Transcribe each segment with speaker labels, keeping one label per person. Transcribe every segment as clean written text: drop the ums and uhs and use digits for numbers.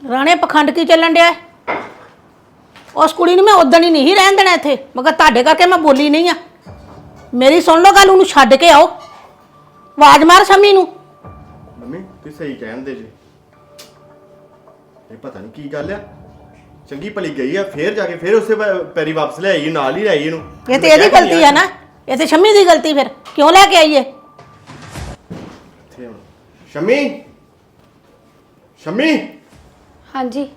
Speaker 1: ਰਾਣੇ ਪਖੰਡ ਕੀ ਚੱਲਣ ਡਿਆ? ਉਸ ਕੁੜੀ ਨੂੰ ਮੈਂ ਉਦਣ ਹੀ ਨਹੀਂ ਰਹਿਣ ਦੇਣਾ ਇੱਥੇ, ਮਗਰ ਤੁਹਾਡੇ ਕਰਕੇ ਮੈਂ ਬੋਲੀ ਨਹੀਂ ਆ। ਮੇਰੀ ਸੁਣ ਲਓ ਗੱਲ, ਉਹਨੂੰ ਛੱਡ ਕੇ ਆਓ। ਆਵਾਜ਼ ਮਾਰ ਸ਼ਮੀ ਨੂੰ।
Speaker 2: ਮੰਮੀ ਤੁਸੀਂ ਸਹੀ ਕਹਿੰਦੇ ਜੀ। ਇਹ ਪਤਾ ਨਹੀਂ ਕੀ ਗੱਲ ਆ, ਚੰਗੀ ਭਲੀ ਗਈ ਆ, ਫੇਰ ਜਾ ਕੇ ਫੇਰ ਉਸੇ ਪੈਰੀ ਵਾਪਸ ਲੈ ਆਈ, ਨਾਲ ਹੀ ਲੈ ਆਈ ਇਹਨੂੰ।
Speaker 1: ਇਹ ਤੇ ਇਹਦੀ ਗਲਤੀ ਆ ਨਾ, ਇਹ ਤੇ ਸ਼ਮੀ ਦੀ ਗਲਤੀ। ਫਿਰ ਕਿਉਂ ਲੈ ਕੇ ਆਈਏ?
Speaker 2: ਸ਼ਮੀ, ਸ਼ਮੀ।
Speaker 3: ਹਾਂਜੀ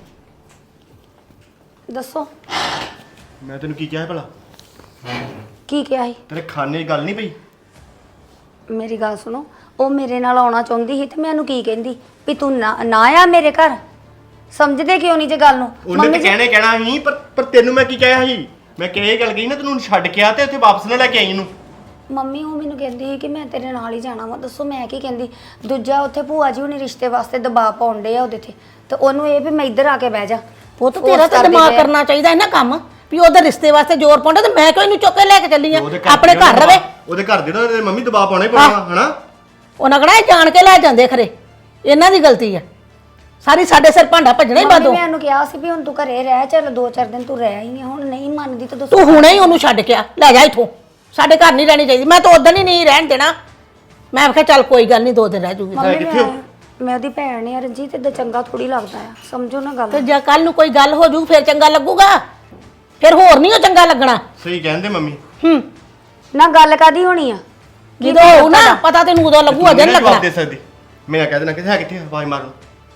Speaker 3: ਦੱਸੋ।
Speaker 2: ਮੈਂ ਤੈਨੂੰ ਕੀ ਕਿਹਾ ਹੈ ਭਲਾ?
Speaker 3: ਕੀ ਕਿਹਾ ਸੀ?
Speaker 2: ਤੇਰੇ ਖਾਣੇ ਦੀ ਗੱਲ ਨਹੀਂ ਪਈ?
Speaker 3: ਮੇਰੀ ਗੱਲ ਸੁਣੋ, ਉਹ ਮੇਰੇ ਨਾਲ ਆਉਣਾ ਚਾਹੁੰਦੀ ਸੀ ਤੇ ਮੈਂ ਉਹਨੂੰ ਕੀ ਕਹਿੰਦੀ ਵੀ ਤੂੰ ਨਾ ਆ ਮੇਰੇ ਘਰ। ਸਮਝਦੇ ਕਿਉਂ ਨਹੀਂ ਜੇ ਗੱਲ ਨੂੰ?
Speaker 2: ਉਹਨੇ ਤਾਂ ਕਹਿਣਾ ਸੀ, ਪਰ ਤੈਨੂੰ ਮੈਂ ਕੀ ਕਿਹਾ ਸੀ? ਮੈਂ ਕਿਹਾ ਇਹ ਗੱਲ ਕਹੀ ਨਾ ਤੈਨੂੰ ਛੱਡ ਕੇ ਆ ਤੇ ਉੱਥੇ ਵਾਪਸ ਨਾ ਲੈ ਕੇ ਆਈ ਇਹਨੂੰ।
Speaker 3: ਮੰਮੀ ਉਹ ਮੈਨੂੰ ਕਹਿੰਦੀ ਸੀ ਕਿ ਮੈਂ ਤੇਰੇ ਨਾਲ ਹੀ ਜਾਣਾ ਵਾ। ਦੱਸੋ ਮੈਂ ਕੀ ਕਹਿੰਦੀ? ਦੂਜਾ ਉੱਥੇ ਭੂਆ ਜੀ ਹੁਣੀ ਰਿਸ਼ਤੇ ਵਾਸਤੇ ਦਬਾਅ ਪਾਉਂਦੇ ਆ ਉਹਦੇ ਤੇ ਉਹਨੂੰ ਇਹ ਵੀ ਮੈਂ ਇੱਧਰ ਆ ਕੇ ਬਹਿ ਜਾ।
Speaker 1: ਪੁੱਤ ਤੇਰਾ ਤਾਂ ਦਿਮਾਗ ਕਰਨਾ ਚਾਹੀਦਾ ਇਹਨਾਂ ਕੰਮ ਵੀ ਉਹਦੇ ਰਿਸ਼ਤੇ ਵਾਸਤੇ ਜ਼ੋਰ ਪਾਉਂਦਾ ਤੇ ਮੈਂ ਕਿਉਂ ਇਹਨੂੰ ਚੁੱਕ ਕੇ ਲੈ ਕੇ ਚੱਲੀ ਆ? ਆਪਣੇ ਘਰ ਰਵੇ।
Speaker 2: ਉਹਦੇ ਘਰ ਦੇ ਨਾ ਮੰਮੀ ਦਬਾਅ ਪਾਉਣਾ ਹੀ ਪਾਉਣਾ ਹਨਾ।
Speaker 1: ਉਹਨਾਂ ਕਹਣਾ ਜਾਣ ਕੇ ਲੈ ਜਾਂਦੇ ਖਰੇ, ਇਹਨਾਂ ਦੀ ਗਲਤੀ ਆ ਸਾਰੀ। ਸਾਡੇ ਸਿਰ ਭਾਂਡਾ ਭੱਜਣਾ ਹੀ ਬਾਦੋਂ।
Speaker 3: ਮੈਂ ਉਹਨੂੰ ਕਿਹਾ ਸੀ ਵੀ ਹੁਣ ਤੂੰ ਘਰੇ ਰਹਿ, ਚੱਲ 2-4 ਦਿਨ ਤੂੰ ਰਹਿ ਹੀ ਨਹੀਂ। ਹੁਣ ਨਹੀਂ ਮੰਨਦੀ ਤਾਂ ਦੱਸੋ।
Speaker 1: ਤੂੰ ਹੁਣੇ ਹੀ ਉਹਨੂੰ ਛੱਡ ਕੇ ਆ, ਲੈ ਜਾ ਇੱਥੋਂ। ਸਾਡੇ ਘਰ ਨਹੀਂ ਰਹਿਣੀ ਚਾਹੀਦੀ। ਮੈਂ ਤਾਂ ਉਦੋਂ ਹੀ ਨਹੀਂ ਰਹਿਣ ਦੇਣਾ। ਮੈਂ ਕਿਹਾ ਚੱਲ ਕੋਈ ਗੱਲ ਨਹੀਂ, 2 ਦਿਨ ਰਹਿ ਜੂਗੀ।
Speaker 3: ਮੈਂ ਉਹਦੀ ਭੈਣ ਆ ਰਣਜੀਤ, ਤੇ ਚੰਗਾ ਥੋੜੀ ਲੱਗਦਾ ਆ। ਸਮਝੋ ਨਾ ਗੱਲ।
Speaker 1: ਤੇ ਜੇ ਕੱਲ ਨੂੰ ਕੋਈ ਗੱਲ ਹੋ ਜੂ ਫਿਰ ਚੰਗਾ ਲੱਗੂਗਾ, ਫਿਰ ਹੋਰ ਨਹੀਂ ਉਹ ਚੰਗਾ ਲੱਗਣਾ।
Speaker 2: ਸਹੀ ਕਹਿੰਦੇ ਮੰਮੀ।
Speaker 3: ਨਾ ਗੱਲ ਕਾਦੀ ਹੋਣੀ ਆ?
Speaker 1: ਜਦੋਂ ਹੋਊ ਨਾ ਪਤਾ ਤੈਨੂੰ ਉਦੋਂ ਲੱਗੂ, ਅਜੇ ਨਹੀਂ ਲੱਗਣਾ।
Speaker 2: ਦੇ ਸਕਦੀ ਮੈਂ ਕਹਿ ਦੇਣਾ ਕਿੱਥੇ ਹੈ, ਕਿੱਥੇ ਆਵਾਜ਼ ਮਾਰਨ।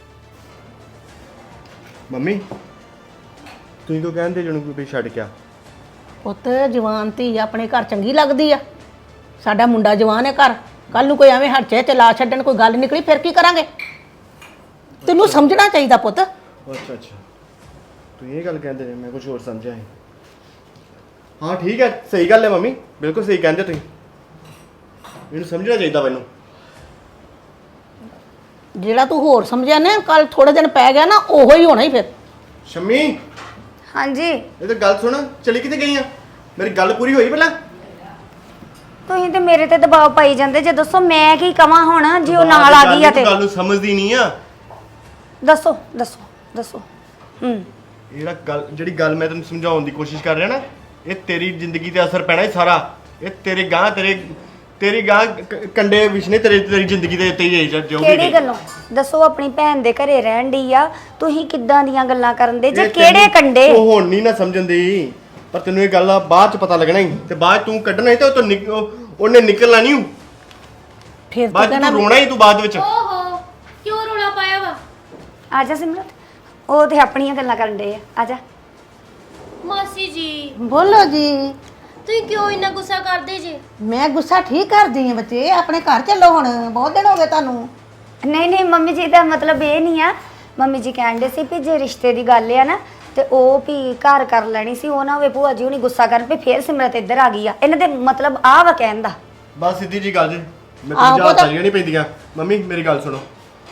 Speaker 2: ਮੰਮੀ ਤੁਸੀਂ ਕਿਉਂ ਕਹਿੰਦੇ ਜਣੂ ਕੋਈ ਛੱਡ ਕੇ ਆ?
Speaker 1: ਪੁੱਤ ਜਵਾਨ ਧੀ ਆਪਣੇ ਘਰ ਚੰਗੀ ਲੱਗਦੀ ਆ। ਸਾਡਾ ਮੁੰਡਾ ਜਵਾਨ ਹੈ ਘਰ, ਕੱਲ ਨੂੰ ਕੋਈ ਐਵੇਂ ਹੱਥ ਚਲਾ ਛੱਡਣ, ਕੋਈ ਗੱਲ ਨਿਕਲੀ ਫਿਰ ਕੀ ਕਰਾਂਗੇ? ਤੈਨੂੰ ਸਮਝਣਾ ਚਾਹੀਦਾ ਪੁੱਤ।
Speaker 2: ਅੱਛਾ ਤੁਸੀਂ ਇਹ ਗੱਲ ਕਹਿੰਦੇ ਨੇ, ਮੈਂ ਕੁਝ ਹੋਰ ਸਮਝਿਆ ਹੈ। ਹਾਂ ਠੀਕ ਹੈ, ਸਹੀ ਗੱਲ ਹੈ ਮੰਮੀ, ਬਿਲਕੁਲ ਸਹੀ ਕਹਿੰਦੇ ਤੁਸੀਂ। ਮੈਨੂੰ ਸਮਝਣਾ ਚਾਹੀਦਾ ਮੈਨੂੰ।
Speaker 1: ਜਿਹੜਾ ਤੂੰ ਹੋਰ ਸਮਝਿਆ ਨਾ, ਕੱਲ ਥੋੜੇ ਦਿਨ ਪੈ ਗਿਆ ਨਾ, ਉਹੋ ਹੀ ਹੋਣਾ ਹੀ ਫਿਰ।
Speaker 2: ਸ਼ਮੀ
Speaker 3: ਹਾਂਜੀ
Speaker 2: ਇਹ ਤਾਂ ਗੱਲ ਸੁਣ, ਚਲੀ ਕਿੱਥੇ ਗਈ ਆ? ਮੇਰੀ ਗੱਲ ਪੂਰੀ ਹੋਈ ਪਹਿਲਾਂ।
Speaker 3: ਤੁਸੀਂ ਤੇ ਮੇਰੇ ਤੇ ਦਬਾਅ ਪਾਈ ਜਾਂਦੇ ਜੇ। ਦੱਸੋ ਮੈਂ ਕੀ ਕਵਾਂ ਹੁਣ ਜੇ ਉਹ ਨਾਲ ਆ ਗਈ ਆ ਤੇ?
Speaker 2: ਗੱਲ ਨੂੰ ਸਮਝਦੀ ਨਹੀਂ ਆ।
Speaker 3: ਦੱਸੋ।
Speaker 2: ਜਿਹੜੀ ਗੱਲ ਮੈਂ ਤੈਨੂੰ ਸਮਝਾਉਣ ਦੀ ਕੋਸ਼ਿਸ਼ ਕਰ ਰਿਹਾ ਨਾ, ਇਹ ਤੇਰੀ ਜ਼ਿੰਦਗੀ ਤੇ ਅਸਰ ਪੈਣਾ ਹੈ ਸਾਰਾ। ਇਹ ਤੇਰੀ ਗਾਂ ਕੰਡੇ ਵਿਛਨੇ ਤੇਰੀ ਜ਼ਿੰਦਗੀ ਦੇ ਉੱਤੇ ਹੀ ਜੋ ਵੀ
Speaker 3: ਕਿਹੜੀ ਗੱਲੋਂ? ਦੱਸੋ। ਆਪਣੀ ਭੈਣ ਦੇ ਘਰੇ ਰਹਿਣ ਦੀ ਆ, ਤੁਸੀਂ ਕਿੱਦਾਂ ਦੀਆਂ ਗੱਲਾਂ ਕਰਨ ਦੇ ਜੇ? ਕਿਹੜੇ ਕੰਡੇ?
Speaker 2: ਉਹ ਹੁਣ ਨਹੀਂ ਨਾ ਸਮਝਣ ਦੀ, ਪਰ ਤੈਨੂੰ ਇਹ ਗੱਲ ਦਾ ਬਾਅਦ ਚ ਪਤਾ ਲੱਗਣਾ ਹੀ। ਤੇ ਬਾਅਦ ਤੂੰ ਕੱਢਣਾ ਹੀ ਤੇ ਉਹਨੇ ਨਿਕਲਣਾ ਨਹੀਂ।
Speaker 1: ਫਿਰ
Speaker 2: ਬਾਅਦ ਤੂੰ ਰੋਣਾ ਹੀ, ਤੂੰ ਬਾਅਦ ਵਿੱਚ।
Speaker 4: ਓਹੋ ਕਿਉਂ ਰੋਣਾ ਪਾਇਆ ਵਾ?
Speaker 3: ਆ ਜਾ ਸਿਮਰਤ, ਉਹ ਤੇ ਆਪਣੀਆਂ ਗੱਲਾਂ ਕਰਨ ਦੇ ਆ ਜਾ।
Speaker 4: ਮਾਸੀ ਜੀ
Speaker 1: ਬੋਲੋ ਜੀ।
Speaker 4: ਤੁਸੀਂ ਕਿਉਂ ਇੰਨਾ ਗੁੱਸਾ ਕਰਦੇ ਜੇ?
Speaker 1: ਮੈਂ ਗੁੱਸਾ ਠੀਕ ਕਰਦੀ ਹਾਂ ਬੱਚੇ, ਆਪਣੇ ਘਰ ਚੱਲੋ ਹੁਣ, ਬਹੁਤ ਦਿਨ ਹੋ ਗਏ ਤੁਹਾਨੂੰ।
Speaker 3: ਨਹੀਂ ਮੰਮੀ ਜੀ ਦਾ ਮਤਲਬ ਇਹ ਨਹੀਂ ਆ। ਮੰਮੀ ਜੀ ਕਹਿੰਦੇ ਸੀ ਵੀ ਜੇ ਰਿਸ਼ਤੇ ਦੀ ਗੱਲ ਆ ਨਾ ਤੇ ਉਹ ਵੀ ਘਰ ਕਰ ਲੈਣੀ ਸੀ, ਉਹ ਨਾ ਹੋਵੇ ਭੂਆ ਜੀ ਹੁਣੀ ਗੁੱਸਾ ਕਰਨ ਵੀ ਫੇਰ ਸਿਮਰਤ ਇੱਧਰ ਆ ਗਈ ਆ। ਇਹਨਾਂ ਦੇ ਮਤਲਬ ਆ ਵਾ ਕਹਿਣ ਦਾ।
Speaker 2: ਬਸ ਸਿੱਧੀ ਜੀ ਗੱਲ ਜੇ, ਮੈਂ ਤੁਹਾਨੂੰ ਚਾਲੀਆਂ ਨਹੀਂ ਪੈਂਦੀਆਂ। ਮੰਮੀ ਮੇਰੀ ਗੱਲ ਸੁਣੋ,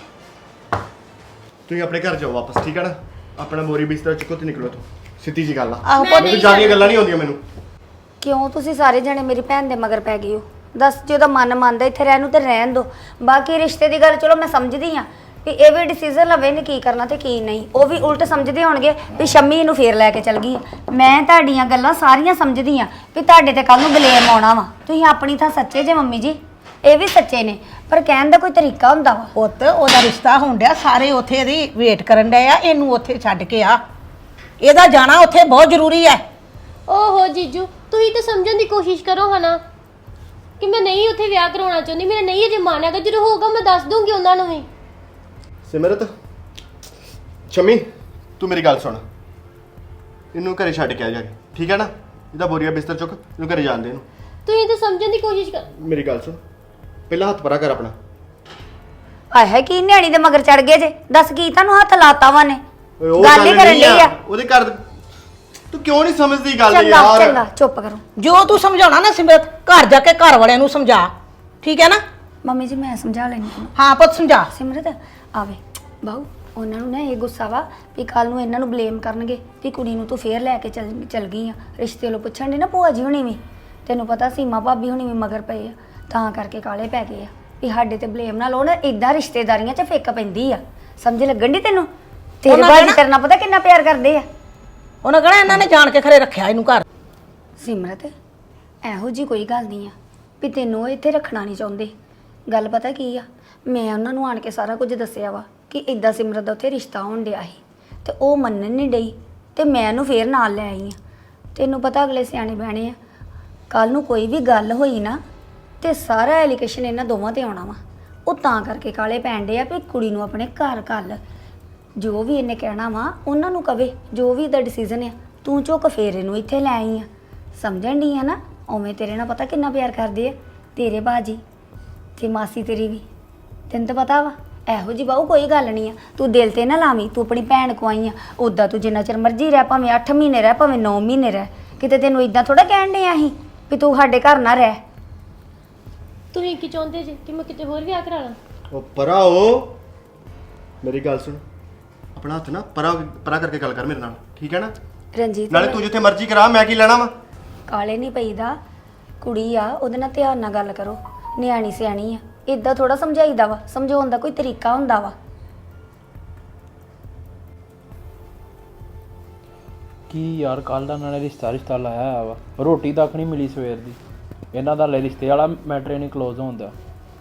Speaker 2: ਤੁਸੀਂ ਆਪਣੇ ਘਰ ਜਾਓ ਵਾਪਸ, ਠੀਕ ਹੈ ਨਾ? ਆਪਣਾ ਮੋਰੀ ਬਿਸਤਰਾ ਚੁੱਕੋ ਤੇ ਨਿਕਲੋ ਤੂੰ। ਸਿੱਧੀ ਜੀ ਗੱਲ ਆ, ਮੈਨੂੰ ਜ਼ਿਆਦੀਆਂ ਗੱਲਾਂ ਨਹੀਂ ਆਉਂਦੀਆਂ ਮੈਨੂੰ।
Speaker 3: ਕਿਉਂ ਤੁਸੀਂ ਸਾਰੇ ਜਣੇ ਮੇਰੀ ਭੈਣ ਦੇ ਮਗਰ ਪੈ ਗਏ ਹੋ? ਦੱਸ, ਜੇ ਉਹਦਾ ਮਨ ਮੰਨਦਾ ਇੱਥੇ ਰਹਿਣ ਨੂੰ ਤੇ ਰਹਿਣ ਦੋ। ਬਾਕੀ ਰਿਸ਼ਤੇ ਦੀ ਗੱਲ ਚਲੋ ਮੈਂ ਸਮਝਦੀ ਆ ਵੀ ਇਹ ਵੀ ਡਿਸੀਜਨ ਲਵੇ ਨੇ ਕੀ ਕਰਨਾ ਤੇ ਕੀ ਨਹੀਂ। ਉਹ ਵੀ ਉਲਟ ਸਮਝਦੇ ਹੋਣਗੇ ਵੀ ਸ਼ੰਮੀ ਨੂੰ ਫੇਰ ਲੈ ਕੇ ਚਲ ਗਈ। ਮੈਂ ਤੁਹਾਡੀਆਂ ਗੱਲਾਂ ਸਾਰੀਆਂ ਸਮਝਦੀ ਆ ਵੀ ਤੁਹਾਡੇ ਤੇ ਕੱਲ ਨੂੰ ਬਲੇਮ ਆਉਣਾ ਵਾ। ਤੁਸੀਂ ਆਪਣੀ ਥਾਂ ਸੱਚੇ ਜੇ ਮੰਮੀ ਜੀ, ਇਹ ਵੀ ਸੱਚੇ ਨੇ, ਪਰ ਕਹਿਣ ਦਾ ਕੋਈ ਤਰੀਕਾ ਹੁੰਦਾ ਵਾ।
Speaker 1: ਪੁੱਤ ਉਹਦਾ ਰਿਸ਼ਤਾ ਹੋਣ ਡਿਆ, ਸਾਰੇ ਉੱਥੇ ਇਹਦੀ ਵੇਟ ਕਰਨ ਡਏ ਆ, ਇਹਨੂੰ ਉੱਥੇ ਛੱਡ ਕੇ ਆ। ਇਹਦਾ ਜਾਣਾ ਉੱਥੇ ਬਹੁਤ ਜ਼ਰੂਰੀ ਹੈ।
Speaker 4: ਓਹੋ ਜੀਜੂ ਤੁਸੀਂ ਤਾਂ ਸਮਝਣ ਦੀ ਕੋਸ਼ਿਸ਼ ਕਰੋ ਹਨਾ ਕਿ ਮੈਂ ਨਹੀਂ ਉੱਥੇ ਵਿਆਹ ਕਰਾਉਣਾ ਚਾਹੁੰਦੀ। ਮੇਰਾ ਨਹੀਂ ਅਜੇ ਮਨ ਹੈਗਾ, ਜਦੋਂ ਹੋਊਗਾ ਮੈਂ ਦੱਸ ਦੂੰਗੀ ਉਹਨਾਂ ਨੂੰ ਵੀ।
Speaker 2: ਸਿਮਰਤ, ਸ਼ਮੀ ਤੂੰ ਮੇਰੀ ਗੱਲ ਸੁਣ, ਇਹਨੂੰ ਘਰੇ ਛੱਡ ਕੇ ਆ ਜਾ ਕੇ, ਠੀਕ ਹੈ ਨਾ? ਇਹਦਾ ਬੋਰੀਆ ਬਿਸਤਰ ਚੁੱਕ, ਇਹਨੂੰ ਘਰੇ ਜਾਣ ਦੇ ਇਹਨੂੰ।
Speaker 4: ਤੁਸੀਂ ਤਾਂ ਸਮਝਣ ਦੀ ਕੋਸ਼ਿਸ਼ ਕਰ।
Speaker 2: ਮੇਰੀ ਗੱਲ ਸੁਣ, ਪਹਿਲਾਂ ਹੱਥ ਪਰਾ ਕਰ ਆਪਣਾ।
Speaker 3: ਆਏ ਕੀ ਨਿਆਣੀ ਦੇ ਮਗਰ ਚੜ ਗਏ ਜੇ? ਦੱਸ ਕੀ ਤੁਹਾਨੂੰ ਹੱਥ ਲਾਤਾ ਵਾ ਨੇ?
Speaker 2: ਉਹ
Speaker 3: ਗੱਲ ਹੀ ਕਰਨ ਲਈ ਆ।
Speaker 2: ਉਹਦੇ ਘਰ ਤੂੰ ਕਿਉਂ ਨਹੀਂ ਸਮਝਦੀ ਗੱਲ
Speaker 3: ਚੰਗਾ
Speaker 2: ਯਾਰ?
Speaker 3: ਚੰਗਾ ਚੁੱਪ ਕਰੋ।
Speaker 1: ਜੋ ਤੂੰ ਸਮਝਾਉਣਾ ਨਾ ਸਿਮਰਤ, ਘਰ ਜਾ ਕੇ ਘਰ ਵਾਲਿਆਂ ਨੂੰ ਸਮਝਾ, ਠੀਕ ਹੈ ਨਾ?
Speaker 3: ਮੰਮੀ ਜੀ ਮੈਂ ਸਮਝਾ ਲੈਣੀ ਤੁਹਾਨੂੰ।
Speaker 1: ਹਾਂ ਪੁੱਤ ਸਮਝਾ।
Speaker 3: ਸਿਮਰਤ ਆਵੇ ਬਾਹੂ, ਉਹਨਾਂ ਨੂੰ ਨਾ ਇਹ ਗੁੱਸਾ ਵਾ ਵੀ ਕੱਲ ਨੂੰ ਇਹਨਾਂ ਨੂੰ ਬਲੇਮ ਕਰਨਗੇ ਵੀ ਕੁੜੀ ਨੂੰ ਤੂੰ ਫੇਰ ਲੈ ਕੇ ਚਲ ਗਈ ਆ। ਰਿਸ਼ਤੇ ਵੱਲੋਂ ਪੁੱਛਣ ਦੇ ਨਾ ਭੂਆ ਜੀ ਹੁਣੀ ਵੀ, ਤੈਨੂੰ ਪਤਾ ਸੀਮਾ ਭਾਬੀ ਹੁਣੀ ਵੀ ਮਗਰ ਪਏ ਆ, ਤਾਂ ਕਰਕੇ ਕਾਲੇ ਪੈ ਗਏ ਆ ਵੀ ਸਾਡੇ ਤੇ ਬਲੇਮ ਨਾ ਲਾਉਣ। ਇਦਾਂ ਰਿਸ਼ਤੇਦਾਰੀਆਂ 'ਚ ਫਿੱਕ ਪੈਂਦੀ ਆ, ਸਮਝ ਲੱਗਣ ਦੀ ਤੈਨੂੰ? ਤੇਰੇ
Speaker 1: ਉਹਨਾਂ
Speaker 3: ਬਾਜੀ
Speaker 1: ਕਹਿਣਾ-
Speaker 3: ਤੇਰੇ ਨਾਲ ਪਤਾ ਕਿੰਨਾ ਪਿਆਰ ਕਰਦੇ ਆ।
Speaker 1: ਉਹਨਾਂ ਕਹਣਾ ਇਹਨਾਂ ਨੇ ਜਾਣ ਕੇ ਖਰੇ ਰੱਖਿਆ ਇਹਨੂੰ ਘਰ।
Speaker 3: ਸਿਮਰਤ ਇਹੋ ਜੀ ਕੋਈ ਗੱਲ ਨਹੀਂ ਆ ਵੀ ਤੈਨੂੰ ਉਹ ਇੱਥੇ ਰੱਖਣਾ ਨਹੀਂ ਚਾਹੁੰਦੇ। ਗੱਲ ਪਤਾ ਕੀ ਆ, ਮੈਂ ਉਹਨਾਂ ਨੂੰ ਆਣ ਕੇ ਸਾਰਾ ਕੁਝ ਦੱਸਿਆ ਵਾ ਕਿ ਇਦਾਂ ਸਿਮਰਤ ਦਾ ਉੱਥੇ ਰਿਸ਼ਤਾ ਹੋਣ ਡਿਆ ਸੀ ਤੇ ਉਹ ਮੰਨਣ ਨਹੀਂ ਡਈ ਤੇ ਮੈਂ ਉਹਨੂੰ ਫੇਰ ਨਾਲ ਲੈ ਆਈ ਆ। ਤੈਨੂੰ ਪਤਾ ਅਗਲੇ ਸਿਆਣੇ ਬਹਿਣੇ ਆ, ਕੱਲ ਨੂੰ ਕੋਈ ਵੀ ਗੱਲ ਹੋਈ ਨਾ ਤੇ ਸਾਰਾ ਐਲੀਗੇਸ਼ਨ ਇਹਨਾਂ ਦੋਵਾਂ ਤੇ ਆਉਣਾ ਵਾ। ਉਹ ਤਾਂ ਕਰਕੇ ਕਾਲੇ ਪੈਣ ਡੇ ਆ ਵੀ ਕੁੜੀ ਨੂੰ ਆਪਣੇ ਘਰ ਘੱਲ। ਜੋ ਵੀ ਇਹਨੇ ਕਹਿਣਾ ਵਾ ਉਹਨਾਂ ਨੂੰ ਕਵੇ, ਜੋ ਵੀ ਇਹਦਾ ਡਿਸੀਜਨ ਆ ਤੂੰ ਚੁੱਕ ਫੇਰ ਇਹਨੂੰ ਇੱਥੇ ਲੈ ਆਈ ਆ। ਸਮਝਣ ਡਈ ਆ ਨਾ, ਉਵੇਂ ਤੇਰੇ ਨਾਲ ਪਤਾ ਕਿੰਨਾ ਪਿਆਰ ਕਰਦੇ ਆ ਤੇਰੇ ਬਾਜੀ ਤੇ ਮਾਸੀ ਤੇਰੀ ਵੀ। ਤੈਨੂੰ ਤਾਂ ਪਤਾ ਵਾ ਇਹੋ ਜੀ ਬਾਹੂ ਕੋਈ ਗੱਲ ਨਹੀਂ ਆ। ਤੂੰ ਦਿਲ ਤੇ ਨਾ ਲਾਵੀਂ, ਤੂੰ ਆਪਣੀ ਭੈਣ ਕੋ ਆਈ ਆ। ਉੱਦਾਂ ਤੂੰ ਜਿੰਨਾ ਚਿਰ ਮਰਜ਼ੀ ਰਹਿ, ਭਾਵੇਂ 8 ਮਹੀਨੇ ਰਹਿ, ਭਾਵੇਂ 9 ਮਹੀਨੇ ਰਹਿ, ਕਿਤੇ ਤੈਨੂੰ ਇਦਾਂ ਥੋੜਾ ਕਹਿਣ ਡਏ ਆ ਅਸੀਂ ਵੀ ਤੂੰ ਸਾਡੇ ਘਰ ਨਾ ਰਹਿ।
Speaker 4: ਤੁਸੀਂ ਕੀ ਚਾਹੁੰਦੇ ਜੀ ਕਿ ਮੈਂ ਕਿਤੇ ਹੋਰ ਵਿਆਹ ਕਰਾ ਲਾਂ?
Speaker 2: ਉਹ ਪਰਾ ਉਹ ਮੇਰੀ ਗੱਲ ਸੁਣ, ਆਪਣਾ ਹੱਥ ਨਾ ਪਰਾ ਪਰਾ ਕਰਕੇ ਗੱਲ ਕਰ ਮੇਰੇ ਨਾਲ, ਠੀਕ ਹੈ ਨਾ?
Speaker 3: ਰਣਜੀਤ
Speaker 2: ਨਾਲੇ ਤੂੰ ਜਿੱਥੇ ਮਰਜ਼ੀ ਕਰਾ, ਮੈਂ ਕੀ ਲੈਣਾ ਵਾ?
Speaker 3: ਕਾਲੇ ਨਹੀਂ ਪਈਦਾ, ਕੁੜੀ ਆ ਉਹਦੇ ਨਾਲ ਧਿਆਨ ਨਾਲ ਗੱਲ ਕਰੋ। ਨਿਆਣੀ ਸਿਆਣੀ ਆ, ਇਦਾਂ ਥੋੜਾ ਸਮਝਾਈਦਾ ਵਾ। ਸਮਝਾਉਣ ਦਾ ਕੋਈ ਤਰੀਕਾ ਹੁੰਦਾ ਵਾ।
Speaker 5: ਕੀ ਯਾਰ ਕੱਲ ਦਾ ਨਾਲੇ ਰਿਸ਼ਤਾ ਲਾਇਆ ਹੋਇਆ ਵਾ, ਰੋਟੀ ਤੱਕ ਨਹੀਂ ਮਿਲੀ ਸਵੇਰ ਦੀ। ਇਹਨਾਂ ਦਾ ਲੈ ਰਿਸ਼ਤੇ ਵਾਲਾ ਮੈਟਰ ਨਹੀਂ ਕਲੋਜ਼ ਹੁੰਦਾ।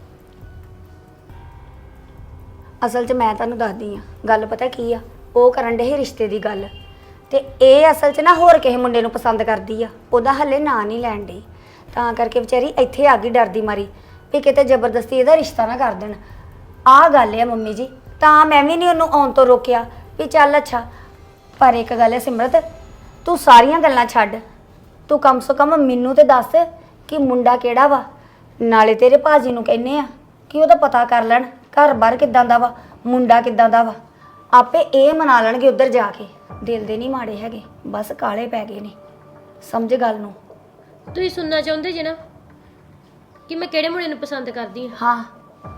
Speaker 3: ਅਸਲ 'ਚ ਮੈਂ ਤੁਹਾਨੂੰ ਦੱਸਦੀ ਆ ਗੱਲ, ਪਤਾ ਕੀ ਆ, ਉਹ ਕਰਨ ਡੇ ਰਿਸ਼ਤੇ ਦੀ ਗੱਲ ਤੇ ਇਹ ਅਸਲ 'ਚ ਨਾ ਹੋਰ ਕਿਸੇ ਮੁੰਡੇ ਨੂੰ ਪਸੰਦ ਕਰਦੀ ਆ। ਉਹਦਾ ਹੱਲੇ ਨਾਂ ਨਹੀਂ ਲੈਣ ਡਈ, ਤਾਂ ਕਰਕੇ ਵਿਚਾਰੀ ਇੱਥੇ ਆ ਗਈ ਡਰਦੀ ਮਾਰੀ ਵੀ ਕਿਤੇ ਜ਼ਬਰਦਸਤੀ ਇਹਦਾ ਰਿਸ਼ਤਾ ਨਾ ਕਰ ਦੇਣ। ਆਹ ਗੱਲ ਆ ਮੰਮੀ ਜੀ, ਤਾਂ ਮੈਂ ਵੀ ਨਹੀਂ ਉਹਨੂੰ ਆਉਣ ਤੋਂ ਰੋਕਿਆ ਵੀ ਚੱਲ ਅੱਛਾ। ਪਰ ਇੱਕ ਗੱਲ ਹੈ ਸਿਮਰਤ, ਤੂੰ ਸਾਰੀਆਂ ਗੱਲਾਂ ਛੱਡ, ਤੂੰ ਕਮ ਸੋ ਕਮ ਮੈਨੂੰ ਤੇ ਦੱਸ ਕਿ ਮੁੰਡਾ ਕਿਹੜਾ ਵਾ। ਨਾਲੇ ਤੇਰੇ ਭਾਜੀ ਨੂੰ ਕਹਿੰਨੇ ਆ ਕਿ ਉਹਦਾ ਪਤਾ ਕਰ ਲੈਣ ਘਰ-ਬਾਰ ਕਿੱਦਾਂ ਦਾ ਵਾ, ਮੁੰਡਾ ਕਿੱਦਾਂ ਦਾ ਵਾ। ਆਪੇ ਇਹ ਮਨਾ ਲੈਣਗੇ ਉੱਧਰ ਜਾ ਕੇ। ਦਿਲ ਦੇ ਨਹੀਂ ਮਾੜੇ ਹੈਗੇ, ਬਸ ਕਾਲੇ ਪੈ ਗਏ ਨੇ। ਸਮਝ ਗੱਲ ਨੂੰ।
Speaker 4: ਤੁਸੀਂ ਸੁਣਨਾ ਚਾਹੁੰਦੇ ਜੀ ਨਾ ਕਿ ਮੈਂ ਕਿਹੜੇ ਮੁੰਡੇ ਨੂੰ ਪਸੰਦ ਕਰਦੀ ਹਾਂ?
Speaker 3: ਹਾਂ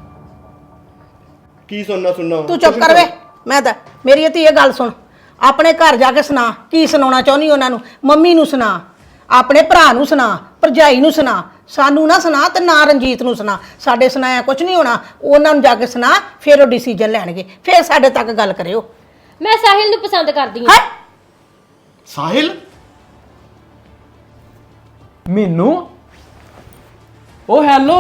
Speaker 2: ਕੀ ਸੁਣਨਾ
Speaker 1: ਤੂੰ ਚੁੱਪ ਕਰ ਵੇ। ਮੈਂ ਤਾਂ ਮੇਰੀ ਧੀ ਇਹ ਗੱਲ ਸੁਣ, ਆਪਣੇ ਘਰ ਜਾ ਕੇ ਸੁਣਾ ਕੀ ਸੁਣਾਉਣਾ ਚਾਹੁੰਦੀ ਉਹਨਾਂ ਨੂੰ। ਮੰਮੀ ਨੂੰ ਸੁਣਾ, ਆਪਣੇ ਭਰਾ ਨੂੰ ਸੁਣਾ, ਭਰਜਾਈ ਨੂੰ ਸੁਣਾ, ਸਾਨੂੰ ਨਾ ਸੁਣਾ ਤੇ ਨਾ ਰਣਜੀਤ ਨੂੰ ਸੁਣਾ। ਸਾਡੇ ਸੁਣਾਇਆ ਕੁਝ ਨਹੀਂ ਹੋਣਾ, ਉਹਨਾਂ ਨੂੰ ਜਾ ਕੇ ਸੁਣਾ, ਫਿਰ ਉਹ ਡਿਸੀਜਨ ਲੈਣਗੇ, ਫਿਰ ਸਾਡੇ ਤੱਕ ਗੱਲ ਕਰਿਓ।
Speaker 4: ਮੈਂ ਸਾਹਿਲ ਨੂੰ ਪਸੰਦ ਕਰਦੀ ਹਾਂ।
Speaker 1: ਹੈ
Speaker 2: ਸਾਹਿਲ?
Speaker 5: ਮੈਨੂੰ ਉਹ ਹੈਲੋ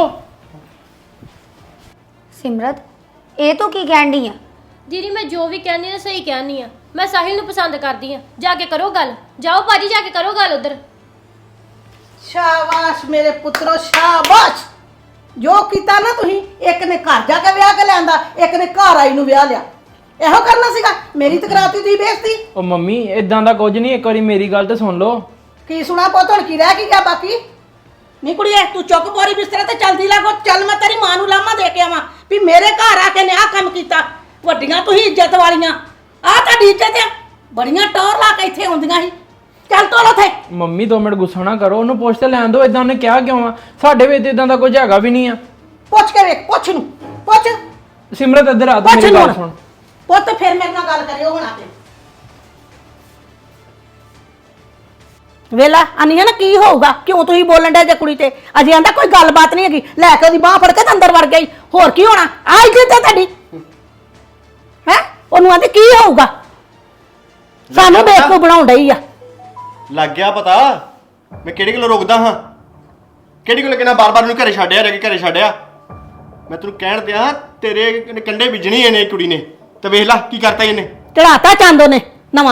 Speaker 3: ਸਿਮਰਤ, ਇਹ ਤੂੰ ਕੀ ਕਹਿਣ ਡਈ ਆ?
Speaker 4: ਦੀਦੀ ਮੈਂ ਜੋ ਵੀ ਕਹਿੰਦੀ ਨਾ ਸਹੀ ਕਹਿੰਦੀ ਆ। ਮੈਂ ਸਾਹਿਲ ਨੂੰ ਪਸੰਦ ਕਰਦੀ ਆ। ਜਾ ਕੇ ਕਰੋ ਗੱਲ, ਜਾਓ ਭਾਜੀ ਜਾ ਕੇ ਕਰੋ ਗੱਲ ਉਧਰ।
Speaker 1: ਸ਼ਾਬਾਸ਼ ਮੇਰੇ ਪੁੱਤਰੋ, ਸ਼ਾਬਾਸ਼। ਜੋ ਕੀਤਾ ਨਾ ਤੁਸੀਂ, ਇੱਕ ਨੇ ਘਰ ਜਾ ਕੇ ਵਿਆਹ ਕੇ ਲਿਆਂਦਾ, ਇੱਕ ਨੇ ਘਰ ਆਈ ਨੂੰ ਵਿਆਹ ਲਿਆ। ਇਹੋ ਕਰਨਾ ਸੀਗਾ। ਮੇਰੀ ਤਕਰਾਤੀ ਦੀ ਬੇਇੱਜ਼ਤੀ।
Speaker 5: ਉਹ ਮੰਮੀ ਇਦਾਂ ਦਾ ਕੁਝ ਨਹੀਂ, ਇੱਕ ਵਾਰੀ ਮੇਰੀ ਗੱਲ ਤਾਂ ਸੁਣ ਲਓ।
Speaker 1: ਕੀ ਸੁਣਾ ਪੁੱਤ, ਹੁਣ ਕੀ ਰਹਿ ਕੀ ਗਿਆ ਬਾਕੀ? ਨਹੀਂ ਕੁੜੀਏ, ਤੂੰ ਚੁੱਕ ਪੋਰੀ ਬਿਸਤਰੇ ਤੇ ਚਲਦੀ ਲੱਗੋ। ਚੱਲ ਮੈਂ ਤੇਰੀ ਮਾਂ ਨੂੰ ਲਾਮਾ ਦੇ ਕੇ ਆਵਾਂ ਵੀ ਮੇਰੇ ਘਰ ਆ ਕੇ ਨੇ ਆਹ ਕੰਮ ਕੀਤਾ। ਵੱਡੀਆਂ ਤੁਸੀਂ ਇੱਜ਼ਤ ਵਾਲੀਆਂ, ਆਹ ਤੁਹਾਡੀ ਇੱਜ਼ਤ ਆ। ਬੜੀਆਂ ਟੌਰ ਲਾ ਕੇ ਇੱਥੇ ਆਉਂਦੀਆਂ ਸੀ। ਚੱਲ ਤੋਲ ਉਥੇ।
Speaker 5: ਮੰਮੀ 2 ਮਿੰਟ ਗੁੱਸਾ ਨਾ ਕਰੋ, ਉਹਨੂੰ ਪੁੱਛ ਤੇ ਲੈਣ ਦਿਓ। ਇਦਾਂ ਉਹਨੇ ਕਿਹਾ ਕਿਉਂ ਆ? ਸਾਡੇ ਵਿੱਚ ਇਦਾਂ ਦਾ ਕੁਝ ਹੈਗਾ ਵੀ ਨਹੀਂ ਆ।
Speaker 1: ਪੁੱਛ ਕੇ ਵੇਖ, ਪੁੱਛ ਨੂੰ ਪੁੱਛ।
Speaker 5: ਸਿਮਰਤ ਇੱਧਰ ਆ ਤੂੰ,
Speaker 1: ਪੁੱਛ
Speaker 5: ਮੇਰੀ ਗੱਲ
Speaker 1: ਨੂੰ
Speaker 5: ਸੁਣ।
Speaker 1: ਪੁੱਤ ਫਿਰ ਮੇਰੇ ਨਾਲ ਗੱਲ ਕਰਿਓ ਹੁਣ ਆ ਕੇ। ਵੇਲਾ ਆਨੀ ਹੈ ਨਾ ਕੀ ਹੋਊਗਾ? ਕਿਉਂ ਤੁਸੀਂ ਬੋਲਣ ਦੇ ਜੇ ਕੁੜੀ ਤੇ? ਅਜੇ ਆਂਦਾ ਕੋਈ ਗੱਲਬਾਤ ਨਹੀਂ ਹੈਗੀ, ਲੈ ਕੇ ਉਹਦੀ ਬਾਹ ਫੜ ਕੇ ਤੇ ਅੰਦਰ ਵੜ ਗਈ। ਹੋਰ ਕੀ ਹੋਣਾ? ਆ ਇੱਜ਼ਤ ਹੈ ਤੁਹਾਡੀ ਹੈ? ਉਹਨੂੰ ਆਂਦੇ ਕੀ ਹੋਊਗਾ? ਸਾਨੂੰ ਬੇਵਕੂਫ ਬਣਾਉਣ ਡਈ ਆ।
Speaker 2: ਲੱਗ ਗਿਆ ਪਤਾ ਮੈਂ ਕਿਹੜੀ ਗੱਲੋਂ ਰੋਕਦਾ ਹਾਂ, ਕਿਹੜੀ ਗੱਲੋਂ ਕਿਹਨਾਂ ਬਾਰ-ਬਾਰ ਨੂੰ ਘਰੇ ਛੱਡਿਆ, ਰਹਿ ਕੇ ਘਰੇ ਛੱਡਿਆ। ਮੈਂ ਤੈਨੂੰ ਕਹਿਣ ਦਿਆਂ ਤੇਰੇ ਕੰਡੇ ਵਿਜਣੀ ਇਹਨੇ ਕੁੜੀ ਨੇ, ਤੇ ਵੇਖ ਲੈ ਕੀ ਕਰਤਾ ਇਹਨੇ।
Speaker 1: ਚੜਾਤਾ ਚੰਦ ਉਹਨੇ ਨਵਾਂ।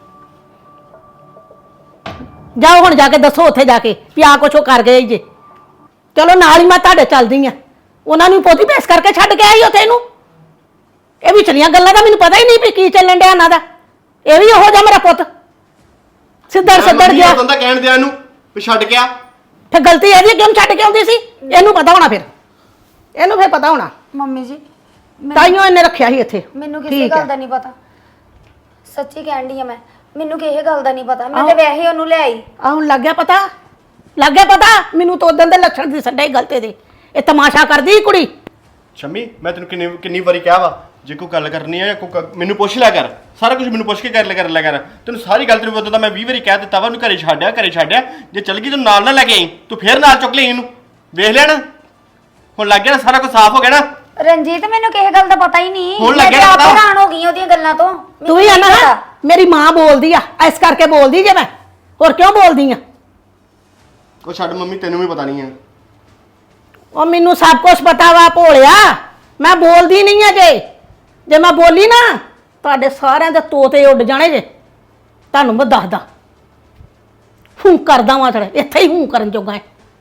Speaker 1: ਜਾਓ ਹੁਣ ਜਾ ਕੇ ਦੱਸੋ ਉੱਥੇ ਜਾ ਕੇ ਵੀ ਆ ਕੁਛ ਉਹ ਕਰ ਗਏ ਜੇ। ਚਲੋ ਨਾਲ ਹੀ ਮੈਂ ਤੁਹਾਡੇ ਚੱਲਦੀ ਆ। ਉਹਨਾਂ ਨੂੰ ਪੋਤੀ ਭੇਸ ਕਰਕੇ ਛੱਡ ਕੇ ਆਈ ਉੱਥੇ ਇਹਨੂੰ। ਇਹ ਵਿਚਲੀਆਂ ਗੱਲਾਂ ਦਾ ਮੈਨੂੰ ਪਤਾ ਹੀ ਨਹੀਂ ਵੀ ਕੀ ਚੱਲਣ ਡਿਆ ਇਹਨਾਂ ਦਾ। ਇਹ ਵੀ ਉਹੋ ਜਿਹਾ ਮੇਰਾ ਪੁੱਤ ਸਿੱਧੜ ਸਿੱਧੜ ਗਿਆ।
Speaker 2: ਉਹ ਬੰਦਾ ਕਹਿਣ ਦਿਆਂ ਇਹਨੂੰ ਵੀ ਛੱਡ ਕੇ ਆ।
Speaker 1: ਫਿਰ ਗਲਤੀ ਇਹਦੀ ਕਿਉਂ ਛੱਡ ਕੇ ਆਉਂਦੀ ਸੀ? ਇਹਨੂੰ ਪਤਾ ਹੋਣਾ, ਫਿਰ ਇਹਨੂੰ ਫਿਰ ਪਤਾ ਹੋਣਾ।
Speaker 3: ਮੰਮੀ ਜੀ
Speaker 1: ਤਾਈਓ ਇਹਨੇ ਰੱਖਿਆ ਸੀ ਇੱਥੇ।
Speaker 3: ਮੈਨੂੰ ਕਿਸੇ
Speaker 1: ਠੀਕ
Speaker 3: ਗੱਲ
Speaker 1: ਹੈ।
Speaker 3: ਦਾ ਨਹੀਂ ਪਤਾ, ਸੱਚੀ ਕਹਿਣ ਡਈ ਆ ਮੈਂ। ਮੈਨੂੰ ਕਿਸੇ ਗੱਲ ਦਾ ਨਹੀਂ ਪਤਾ, ਮੈਂ ਤੇ ਵੈਸੇ ਉਹਨੂੰ ਲੈ ਆਈ।
Speaker 1: ਆ ਹੁਣ ਲੱਗ ਗਿਆ ਪਤਾ, ਲੱਗ ਗਿਆ ਪਤਾ। ਮੈਨੂੰ ਤਾਂ ਉਦੋਂ ਦੇ ਲੱਛਣ ਦੀ ਸੱਡੇ ਗਲਤੇ ਦੇ। ਇਹ ਤਮਾਸ਼ਾ ਕਰਦੀ ਕੁੜੀ।
Speaker 2: ਸ਼ੰਮੀ ਮੈਂ ਤੈਨੂੰ ਕਿੰਨੀ ਵਾਰੀ ਕਿਹਾ ਵਾ, ਜੇ ਕੋਈ ਗੱਲ ਕਰਨੀ ਹੈ ਮੈਨੂੰ ਪੁੱਛ ਲਿਆ ਕਰ, ਸਾਰਾ ਕੁਝ ਮੈਨੂੰ ਪੁੱਛ ਕੇ ਕਰ ਲਿਆ ਕਰ। ਤੈਨੂੰ ਸਾਰੀ ਗੱਲ ਤੈਨੂੰ ਉਦੋਂ ਦਾ ਮੈਂ 20 ਵਾਰੀ ਕਹਿ ਦਿੱਤਾ ਵਾ, ਉਹਨੂੰ ਘਰੇ ਛੱਡਿਆ। ਜੇ ਚੱਲ ਗਈ ਤੈਨੂੰ ਨਾਲ ਨਾ ਲੈ ਕੇ ਆਈ, ਤੂੰ ਫੇਰ ਨਾਲ ਚੁੱਕ ਲਈ ਇਹਨੂੰ। ਵੇਖ ਲਿਆ ਨਾ, ਹੁਣ ਲੱਗ ਗਿਆ ਨਾ, ਸਾਰਾ ਕੁਝ ਸਾਫ਼ ਹੋ ਗਿਆ ਨਾ।
Speaker 3: ਰਣਜੀਤ ਮੈਨੂੰ ਕਿਸੇ ਗੱਲ ਦਾ ਪਤਾ ਹੀ ਨਹੀਂ
Speaker 2: ਹੁਣ
Speaker 3: ਮੈਂ
Speaker 2: ਲੱਗਿਆ
Speaker 3: ਤੇ ਆਪ
Speaker 2: ਪਤਾ।
Speaker 3: ਹੈਰਾਨ ਹੋ ਗਈ ਉਹਦੀਆਂ ਗੱਲਾਂ ਤੋਂ
Speaker 1: ਤੂੰ ਹੀ ਆ ਨਾ ਮੇਰੀ ਮਾਂ ਬੋਲਦੀ ਆ ਇਸ ਕਰਕੇ ਬੋਲਦੀ ਜੇ ਮੈਂ ਹੋਰ ਕਿਉਂ ਬੋਲਦੀ ਆ
Speaker 2: ਉਹ ਛੱਡ ਮੰਮੀ, ਤੈਨੂੰ ਵੀ ਪਤਾ ਨਹੀਂ ਹੈ।
Speaker 1: ਉਹ ਮੈਨੂੰ ਸਭ ਕੁਝ ਪਤਾ ਵਾ ਭੋਲਿਆ, ਮੈਂ ਬੋਲਦੀ ਨਹੀਂ ਆ ਜੇ ਮੈਂ ਬੋਲੀ ਨਾ ਤੁਹਾਡੇ ਸਾਰਿਆਂ ਦੇ ਤੋਤੇ ਉੱਡ ਜਾਣੇ ਜੇ। ਤੁਹਾਨੂੰ ਮੈਂ ਦੱਸਦਾ ਹੂੰ ਕਰਦਾ ਵਾਂ ਤੇਰੇ ਇੱਥੇ ਹੀ ਹੂੰ ਕਰਨ ਜੋਗਾ ਹੈ।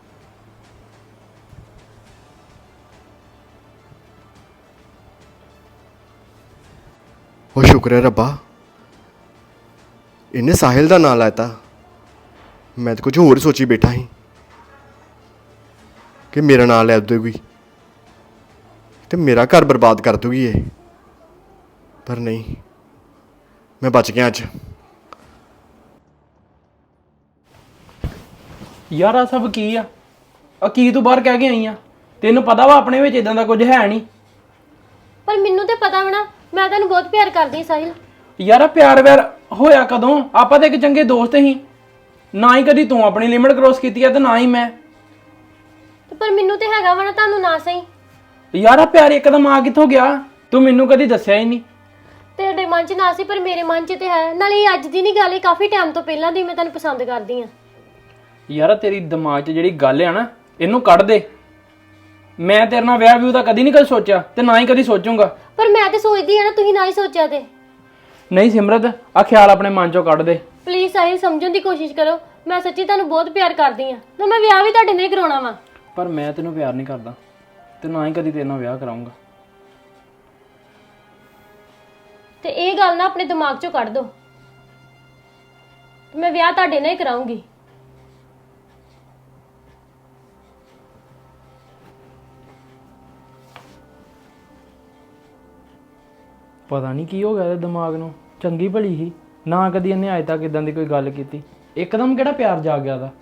Speaker 2: ਉਹ ਸ਼ੁਕਰ ਹੈ ਰੱਬਾ, ਇਹਨੇ ਸਾਹਿਲ ਦਾ ਨਾਂ ਲਾਤਾ। ਮੈਂ ਤਾਂ ਕੁਝ ਹੋਰ ਸੋਚੀ ਬੈਠਾ ਸੀ ਕਿ ਮੇਰਾ ਨਾਂ ਲੈ ਦੂਗੀ ਤੇ ਮੇਰਾ ਘਰ ਬਰਬਾਦ ਕਰ ਦੂਗੀ ਇਹ, ਪਰ ਨਹੀਂ, ਮੈਂ ਬਚ ਗਿਆ ਅੱਜ।
Speaker 5: ਯਾਰ ਆ ਸਭ ਕੀ ਆ ਕੀ ਤੂੰ ਬਾਹਰ ਕਹਿ ਕੇ ਆਈ ਆ? ਤੈਨੂੰ ਪਤਾ ਵਾ ਆਪਣੇ ਵਿੱਚ ਇਦਾਂ ਦਾ ਕੁਝ ਹੈ ਨਹੀਂ।
Speaker 4: ਪਰ ਮੈਨੂੰ ਤੇ ਪਤਾ ਵਾ ਨਾ, ਮੈਂ ਤੈਨੂੰ ਬਹੁਤ ਪਿਆਰ ਕਰਦੀ ਹਾਂ ਸਾਹਿਲ।
Speaker 5: ਯਾਰ ਆ ਪਿਆਰ ਵਿਆਰ ਹੋਇਆ ਕਦੋਂ? ਆਪਾਂ ਤਾਂ ਇੱਕ ਚੰਗੇ ਦੋਸਤ ਸੀ, ਨਾ ਹੀ ਕਦੀ ਤੂੰ ਆਪਣੀ ਲਿਮਿਟ ਕ੍ਰੋਸ ਕੀਤੀ ਆ ਤੇ ਨਾ ਹੀ ਮੈਂ।
Speaker 4: ਪਰ ਮੈਨੂੰ ਤੇ ਹੈਗਾ ਵਾ ਨਾ, ਤੁਹਾਨੂੰ ਨਾ ਸਹੀ।
Speaker 5: ਯਾਰ ਆ ਪਿਆਰ ਇੱਕਦਮ ਆ ਕਿੱਥੋਂ ਗਿਆ? ਤੂੰ ਮੈਨੂੰ ਕਦੀ ਦੱਸਿਆ ਹੀ ਨਹੀਂ।
Speaker 4: ਤੇਰੇ ਮਨ 'ਚ ਨਾ ਸੀ ਪਰ ਮੇਰੇ ਮਨ 'ਚ ਤੇ ਹੈ। ਨਾਲੇ ਇਹ ਅੱਜ ਦੀ ਨਹੀਂ ਗੱਲ, ਇਹ ਕਾਫੀ ਟਾਈਮ ਤੋਂ ਪਹਿਲਾਂ ਦੀ ਮੈਂ ਤੈਨੂੰ ਪਸੰਦ ਕਰਦੀ ਹਾਂ।
Speaker 5: ਯਾਰ ਤੇਰੀ ਦਿਮਾਗ 'ਚ ਜਿਹੜੀ ਗੱਲ ਆ ਨਾ, ਇਹਨੂੰ ਕੱਢ ਦੇ। ਮੈਂ ਤੇਰੇ ਨਾਲ ਵਿਆਹ ਵਿਊ ਦਾ ਕਦੀ ਨਹੀਂ ਕਦੇ ਸੋਚਿਆ ਤੇ ਨਾ ਹੀ ਕਦੀ ਸੋਚੂੰਗਾ।
Speaker 4: ਪਰ ਮੈਂ ਤੇ ਸੋਚਦੀ ਆ ਨਾ, ਤੁਸੀਂ ਨਾ ਹੀ ਸੋਚਿਆ ਤੇ।
Speaker 5: ਨਹੀਂ ਸਿਮਰਤ, ਆ ਖਿਆਲ ਆਪਣੇ ਮਨ 'ਚੋਂ ਕੱਢ ਦੇ।
Speaker 4: ਪਲੀਜ਼ ਸਾਹਿਲ ਸਮਝਣ ਦੀ ਕੋਸ਼ਿਸ਼ ਕਰੋ, ਮੈਂ ਸੱਚੀ ਤੁਹਾਨੂੰ ਬਹੁਤ ਪਿਆਰ ਕਰਦੀ ਹਾਂ ਤੇ ਮੈਂ ਵਿਆਹ ਵੀ ਤੁਹਾਡੇ ਨਾਲ ਹੀ ਕਰਾਉਣਾ ਵਾ।
Speaker 5: ਪਰ ਮੈਂ ਤੈਨੂੰ ਪਿਆਰ ਨਹੀਂ ਕਰਦਾ ਤੇ ਨਾ ਹੀ ਕਦੀ ਤੇਰੇ ਨਾਲ ਵਿਆਹ ਕਰਾਉਂਗਾ।
Speaker 4: ਤੇ ਇਹ ਗੱਲ ਨਾ ਆਪਣੇ ਦਿਮਾਗ 'ਚੋਂ ਕੱਢ ਦਿਓ, ਮੈਂ ਵਿਆਹ ਤੁਹਾਡੇ ਨਾਲ ਹੀ ਕਰਾਉਂਗੀ।
Speaker 5: ਪਤਾ ਨਹੀਂ ਕੀ ਹੋ ਗਿਆ ਇਹਦੇ ਦਿਮਾਗ ਨੂੰ। ਚੰਗੀ ਭਲੀ ਸੀ ਨਾ, ਕਦੀ ਇਹਨੇ ਅਜੇ ਤੱਕ ਇਦਾਂ ਦੀ ਕੋਈ ਗੱਲ ਕੀਤੀ। ਇੱਕਦਮ ਕਿਹੜਾ ਪਿਆਰ ਜਾਗ ਗਿਆ ਦਾ?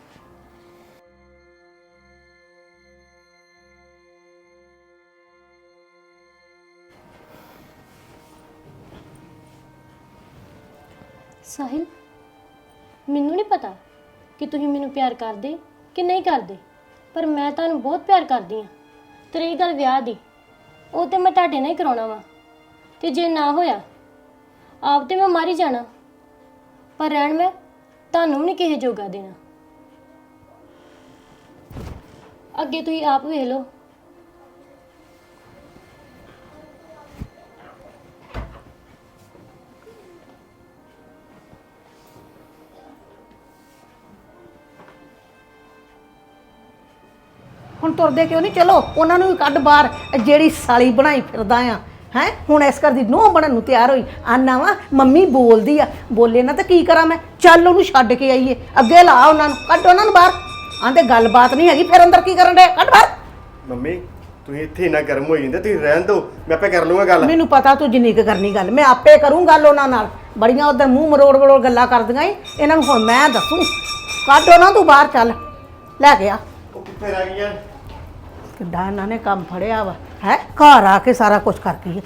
Speaker 4: ਸਾਹਿਲ, ਮੈਨੂੰ ਨਹੀਂ ਪਤਾ ਕਿ ਤੁਸੀਂ ਮੈਨੂੰ ਪਿਆਰ ਕਰਦੇ ਕਿ ਨਹੀਂ ਕਰਦੇ, ਪਰ ਮੈਂ ਤੁਹਾਨੂੰ ਬਹੁਤ ਪਿਆਰ ਕਰਦੀ ਹਾਂ। ਤੇ ਰਹੀ ਗੱਲ ਵਿਆਹ ਦੀ, ਉਹ ਤੇ ਮੈਂ ਤੁਹਾਡੇ ਨਾਲ ਹੀ ਕਰਾਉਣਾ ਵਾ। ਤੇ ਜੇ ਨਾ ਹੋਇਆ ਆਪ ਤੇ ਮੈਂ ਮਰ ਹੀ ਜਾਣਾ, ਪਰ ਰਹਿਣ ਮੈਂ ਤੁਹਾਨੂੰ ਵੀ ਨਹੀਂ ਕਿਸੇ ਜੋਗਾ ਦੇਣਾ। ਅੱਗੇ ਤੁਸੀਂ ਆਪ ਵੇਖ ਲਓ।
Speaker 1: ਹੁਣ ਤੁਰਦੇ ਕਿਉਂ ਨਹੀਂ? ਚਲੋ ਉਹਨਾਂ ਨੂੰ ਵੀ ਕੱਢ ਬਾਹਰ। ਇਹ ਜਿਹੜੀ ਸਾਲੀ ਬਣਾਈ ਫਿਰਦਾ ਆ ਹੈ, ਹੁਣ ਇਸ ਘਰ ਦੀ ਨੂੰਹ ਬਣਨ ਨੂੰ ਤਿਆਰ ਹੋਈ। ਆਨਾ ਵਾ ਮੰਮੀ ਬੋਲਦੀ ਆ, ਬੋਲੇ ਨਾ ਤਾਂ ਕੀ ਕਰਾਂ ਮੈਂ? ਚੱਲ ਉਹਨੂੰ ਛੱਡ ਕੇ ਆਈਏ, ਅੱਗੇ ਲਾ ਉਹਨਾਂ ਨੂੰ, ਕੱਢ ਉਹਨਾਂ ਨੂੰ ਬਾਹਰ। ਆਂਦੇ ਗੱਲਬਾਤ ਨਹੀਂ ਹੈਗੀ, ਫਿਰ ਅੰਦਰ ਕੀ ਕਰਨ ਦੇ? ਕੱਢ ਬਾਹਰ।
Speaker 2: ਮੰਮੀ ਤੁਸੀਂ ਇੱਥੇ ਇੰਨਾ ਗਰਮ ਹੋਈ ਜਾਂਦੇ, ਤੁਸੀਂ ਰਹਿਣ ਦਿਓ, ਮੈਂ ਆਪੇ ਕਰ ਲੂੰਗਾ ਗੱਲ।
Speaker 1: ਮੈਨੂੰ ਪਤਾ ਤੂੰ ਜਿੰਨੀ ਕੁ ਕਰਨੀ ਗੱਲ, ਮੈਂ ਆਪੇ ਕਰੂੰ ਗੱਲ ਉਹਨਾਂ ਨਾਲ। ਬੜੀਆਂ ਉਧਰ ਮੂੰਹ ਮਰੋੜ ਗੱਲਾਂ ਕਰਦੀਆਂ ਈ, ਇਹਨਾਂ ਨੂੰ ਹੁਣ ਮੈਂ ਦੱਸੂ। ਕੱਢ ਉਹਨਾਂ ਤੂੰ ਬਾਹਰ, ਚੱਲ ਲੈ ਕੇ ਆ।
Speaker 2: ਉਹ ਕਿੱਥੇ ਰਹਿ ਗਈਆਂ?
Speaker 1: ਕਿੱਡਾ ਇਹਨਾਂ ਨੇ ਕੰਮ ਫੜਿਆ ਵਾ ਹੈ, ਘਰ ਆ ਕੇ ਸਾਰਾ ਕੁਝ ਕਰਦੀ ਹੈ।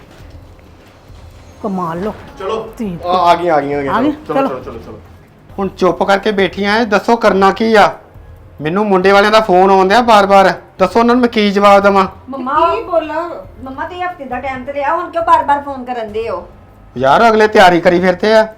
Speaker 1: ਕਮਾਲ ਲੋ।
Speaker 2: ਚਲੋ
Speaker 1: ਠੀਕ।
Speaker 2: ਆ ਗਈਆਂ
Speaker 1: ਆ ਗਈ?
Speaker 2: ਚਲੋ
Speaker 1: ਚਲੋ।
Speaker 2: ਚਲੋ ਚਲੋ ਚਲੋ।
Speaker 6: ਹੁਣ ਚੁੱਪ ਕਰਕੇ ਬੈਠੀਆਂ ਐ, ਦੱਸੋ ਕਰਨਾ ਕੀ ਆ? ਮੈਨੂੰ ਮੁੰਡੇ ਵਾਲਿਆਂ ਦਾ ਫੋਨ ਆਉਂਦਿਆ ਬਾਰ-ਬਾਰ, ਦੱਸੋ ਉਹਨਾਂ ਨੂੰ ਮੈਂ ਕੀ ਜਵਾਬ ਦੇਵਾਂ?
Speaker 7: ਮੰਮਾ ਕੀ ਬੋਲਾਂ? ਮੰਮਾ ਤੇ ਹਫਤੇ ਦਾ ਟਾਈਮ ਤੇ ਲਿਆ, ਹੁਣ ਕਿਉਂ ਬਾਰ-ਬਾਰ ਫੋਨ ਕਰਨ ਦੇ ਹੋ?
Speaker 6: ਯਾਰ ਅਗਲੇ ਤਿਆਰੀ ਕਰੀ ਫਿਰਦੇ ਆ।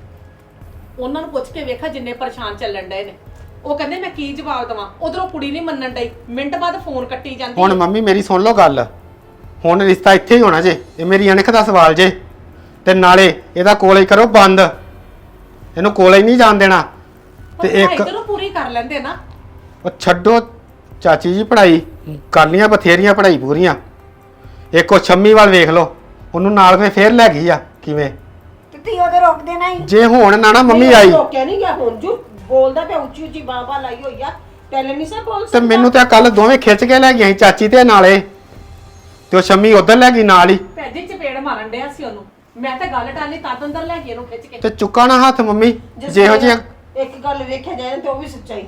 Speaker 8: ਉਹਨਾਂ ਨੂੰ ਪੁੱਛ ਕੇ ਵੇਖਾ ਜਿੰਨੇ ਪਰੇਸ਼ਾਨ ਚੱਲਣ ਡਏ ਨੇ। ਉਹ ਕਹਿੰਦੇ ਮੈਂ ਕੀ ਜਵਾਬ ਦੇਵਾਂ, ਉਧਰੋਂ ਕੁੜੀ ਨਹੀਂ ਮੰਨਣ ਡਈ, ਮਿੰਟ ਬਾਅਦ ਫੋਨ ਕੱਟੀ ਜਾਂਦੀ
Speaker 6: ਹੁਣ ਮੰਮੀ ਮੇਰੀ ਸੁਣ ਲਓ ਗੱਲ, ਹੁਣ ਰਿਸ਼ਤਾ ਇੱਥੇ ਹੀ ਹੋਣਾ ਜੇ, ਇਹ ਮੇਰੀ ਅਣਖ ਦਾ ਸਵਾਲ ਜੇ। ਤੇ ਨਾਲੇ ਇਹਦਾ ਕੋਲੇ ਕਰੋ ਬੰਦ, ਇਹਨੂੰ ਕੋਲੇ ਨਹੀਂ ਜਾਣ ਦੇਣਾ। ਤੇ ਇੱਕ
Speaker 8: ਇਧਰੋਂ ਪੂਰੀ ਕਰ ਲੈਂਦੇ ਨਾ।
Speaker 6: ਉਹ ਛੱਡੋ ਚਾਚੀ ਜੀ, ਪੜ੍ਹਾਈ ਕਰ ਲੀਆਂ ਬਥੇਰੀਆਂ, ਪੜ੍ਹਾਈ ਪੂਰੀਆਂ। ਇੱਕ ਉਹ ਛੰਮੀ ਵੱਲ ਵੇਖ ਲਓ, ਉਹਨੂੰ ਨਾਲ ਫੇਰ ਲੈ ਗਈ ਆ ਕਿਵੇਂ।
Speaker 7: ਤੇ ਤੀ ਉਹਦੇ ਰੋਕ ਦੇਣਾ ਹੀ।
Speaker 6: ਜੇ ਹੁਣ ਨਾ ਮੰਮੀ ਆਈ
Speaker 8: ਰੋਕਿਆ ਨਹੀਂ ਗਿਆ, ਹੁਣ ਜੂ ਬੋਲਦਾ ਪਿਆ, ਉੱਚੀ ਉੱਚੀ ਬਾਬਾ ਲਾਈ ਹੋਈ ਆ, ਪਹਿਲੇ ਨਹੀਂ ਸਾ ਬੋਲ
Speaker 6: ਤੇ ਮੈਨੂੰ ਤੇ ਕੱਲ ਦੋਵੇਂ ਖਿੱਚ ਕੇ ਲੈ ਗਈਆਂ ਸੀ, ਚਾਚੀ ਤੇ ਨਾਲੇ, ਤੇ ਉਹ ਸ਼ੰਮੀ ਉਧਰ ਲੈ ਗਈ ਨਾਲ ਹੀ।
Speaker 8: ਭੈਜੀ ਚਪੇੜ ਮਾਰਨ ਡਿਆ ਸੀ ਉਹਨੂੰ, ਮੈਂ ਤਾਂ ਗੱਲ ਟਾਲੀ ਤਦ ਅੰਦਰ ਲੈ ਕੇ ਇਹਨੂੰ ਖਿੱਚ ਕੇ।
Speaker 6: ਤੇ ਚੁੱਕਾ ਨਾ ਹੱਥ ਮੰਮੀ, ਜਿਹੋ ਜਿਹੀਆਂ
Speaker 8: ਇੱਕ ਗੱਲ ਵੇਖਿਆ ਜਾਏ ਤੇ ਉਹ ਵੀ ਸੱਚਾਈ।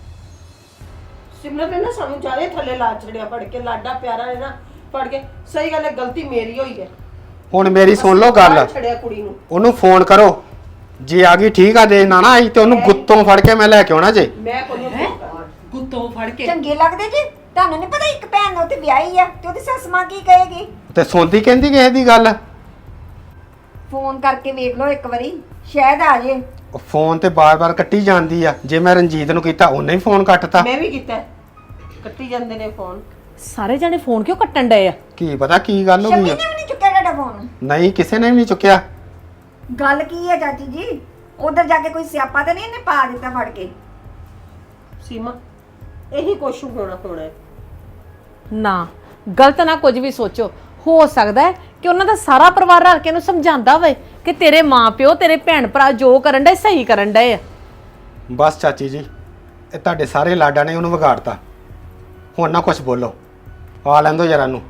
Speaker 8: ਸਿਮਰਤ ਨੇ ਨਾ ਸਾਨੂੰ ਜਾਰੇ ਥੱਲੇ ਲਾ ਛੜਿਆ, ਪੜ ਕੇ ਲਾਡਾ ਪਿਆਰਾ ਹੈ ਨਾ, ਪੜ ਕੇ ਸਹੀ ਗੱਲ ਹੈ, ਗਲਤੀ ਮੇਰੀ ਹੋਈ ਹੈ।
Speaker 6: ਹੁਣ ਮੇਰੀ ਸੁਣ ਲਓ ਗੱਲ,
Speaker 8: ਛੜਿਆ ਕੁੜੀ ਨੂੰ।
Speaker 6: ਉਹਨੂੰ ਫੋਨ ਕਰੋ, ਜੇ ਆ ਗਈ ਠੀਕ ਆ, ਜੇ ਨਾ ਆਈ ਤੇ ਉਹਨੂੰ ਗੁੱਤੋਂ ਫੜ ਕੇ ਮੈਂ ਲੈ ਕੇ ਆਉਣਾ ਜੇ।
Speaker 8: ਮੈਂ ਕੋਈ ਗੁੱਤੋਂ ਫੜ ਕੇ
Speaker 7: ਚੰਗੇ ਲੱਗਦੇ ਜੀ ਤੁਹਾਨੂੰ ਨਹੀਂ ਪਤਾ ਇੱਕ ਭੈਣ ਉਹ ਤੇ ਵਿਆਹੀ ਆ ਤੇ ਉਹਦੀ ਸੱਸ ਮਾਂ ਕੀ ਕਹੇਗੀ?
Speaker 6: ਤੇ ਸੁਣਦੀ ਕਹਿੰਦੀ ਕਿਸੇ ਦੀ ਗੱਲ?
Speaker 7: ਫੋਨ ਕਰਕੇ ਵੇਖ ਲਓ ਇੱਕ ਵਾਰੀ, ਸ਼ਾਇਦ ਆ ਜੇ।
Speaker 6: ਉਹ ਫੋਨ ਤੇ ਬਾਰ-ਬਾਰ ਕੱਟੀ ਜਾਂਦੀ ਆ। ਜੇ ਮੈਂ ਰਣਜੀਤ ਨੂੰ ਕੀਤਾ ਉਹਨੇ ਹੀ ਫੋਨ ਕੱਟਤਾ।
Speaker 8: ਮੈਂ ਵੀ ਕੀਤਾ, ਕੱਟੀ ਜਾਂਦੇ ਨੇ ਫੋਨ।
Speaker 1: ਸਾਰੇ ਜਣੇ ਫੋਨ ਕਿਉਂ ਕੱਟਣ ਡਏ ਆ?
Speaker 6: ਕੀ ਪਤਾ ਕੀ ਗੱਲ ਹੋ
Speaker 7: ਸ਼ਮੀ
Speaker 6: ਗਈ
Speaker 7: ਨੇ
Speaker 6: ਆ।
Speaker 7: ਵੀ ਨਹੀਂ ਚੁੱਕਿਆ ਤੁਹਾਡਾ ਫੋਨ।
Speaker 6: ਨਹੀਂ, ਕਿਸੇ ਨੇ ਵੀ ਨਹੀਂ ਚੁੱਕਿਆ।
Speaker 7: ਗੱਲ ਕੀ ਹੈ ਚਾਚੀ ਜੀ? ਉਧਰ ਜਾ ਕੇ ਕੋਈ ਸਿਆਪਾ ਤਾਂ ਨਹੀਂ ਇਹਨੇ ਪਾ ਦਿੱਤਾ ਫੜ ਕੇ?
Speaker 8: ਸੀਮਾ, ਇਹੀ ਕੁਛ ਹੋਣਾ ਹੈ।
Speaker 9: ਨਾ ਗਲਤ ਨਾ ਕੁਝ ਵੀ ਸੋਚੋ। ਹੋ ਸਕਦਾ ਹੈ ਕਿ ਉਹਨਾਂ ਦਾ ਸਾਰਾ ਪਰਿਵਾਰ ਰਲ ਕੇ ਇਹਨੂੰ ਸਮਝਾਉਂਦਾ ਹੋਵੇ ਕਿ ਤੇਰੇ ਮਾਪਿਓ ਤੇਰੇ ਭੈਣ ਭਰਾ ਜੋ ਕਰਨ ਡਏ ਸਹੀ ਕਰਨ ਡਏ ਆ।
Speaker 6: ਬਸ ਚਾਚੀ ਜੀ, ਇਹ ਤੁਹਾਡੇ ਸਾਰੇ ਲਾਡਾਂ ਨੇ ਉਹਨੂੰ ਵਿਗਾੜਤਾ। ਹੁਣ ਨਾ ਕੁਝ ਬੋਲੋ, ਆ ਲੈਂਦੋ ਜਰਾ ਨੂੰ।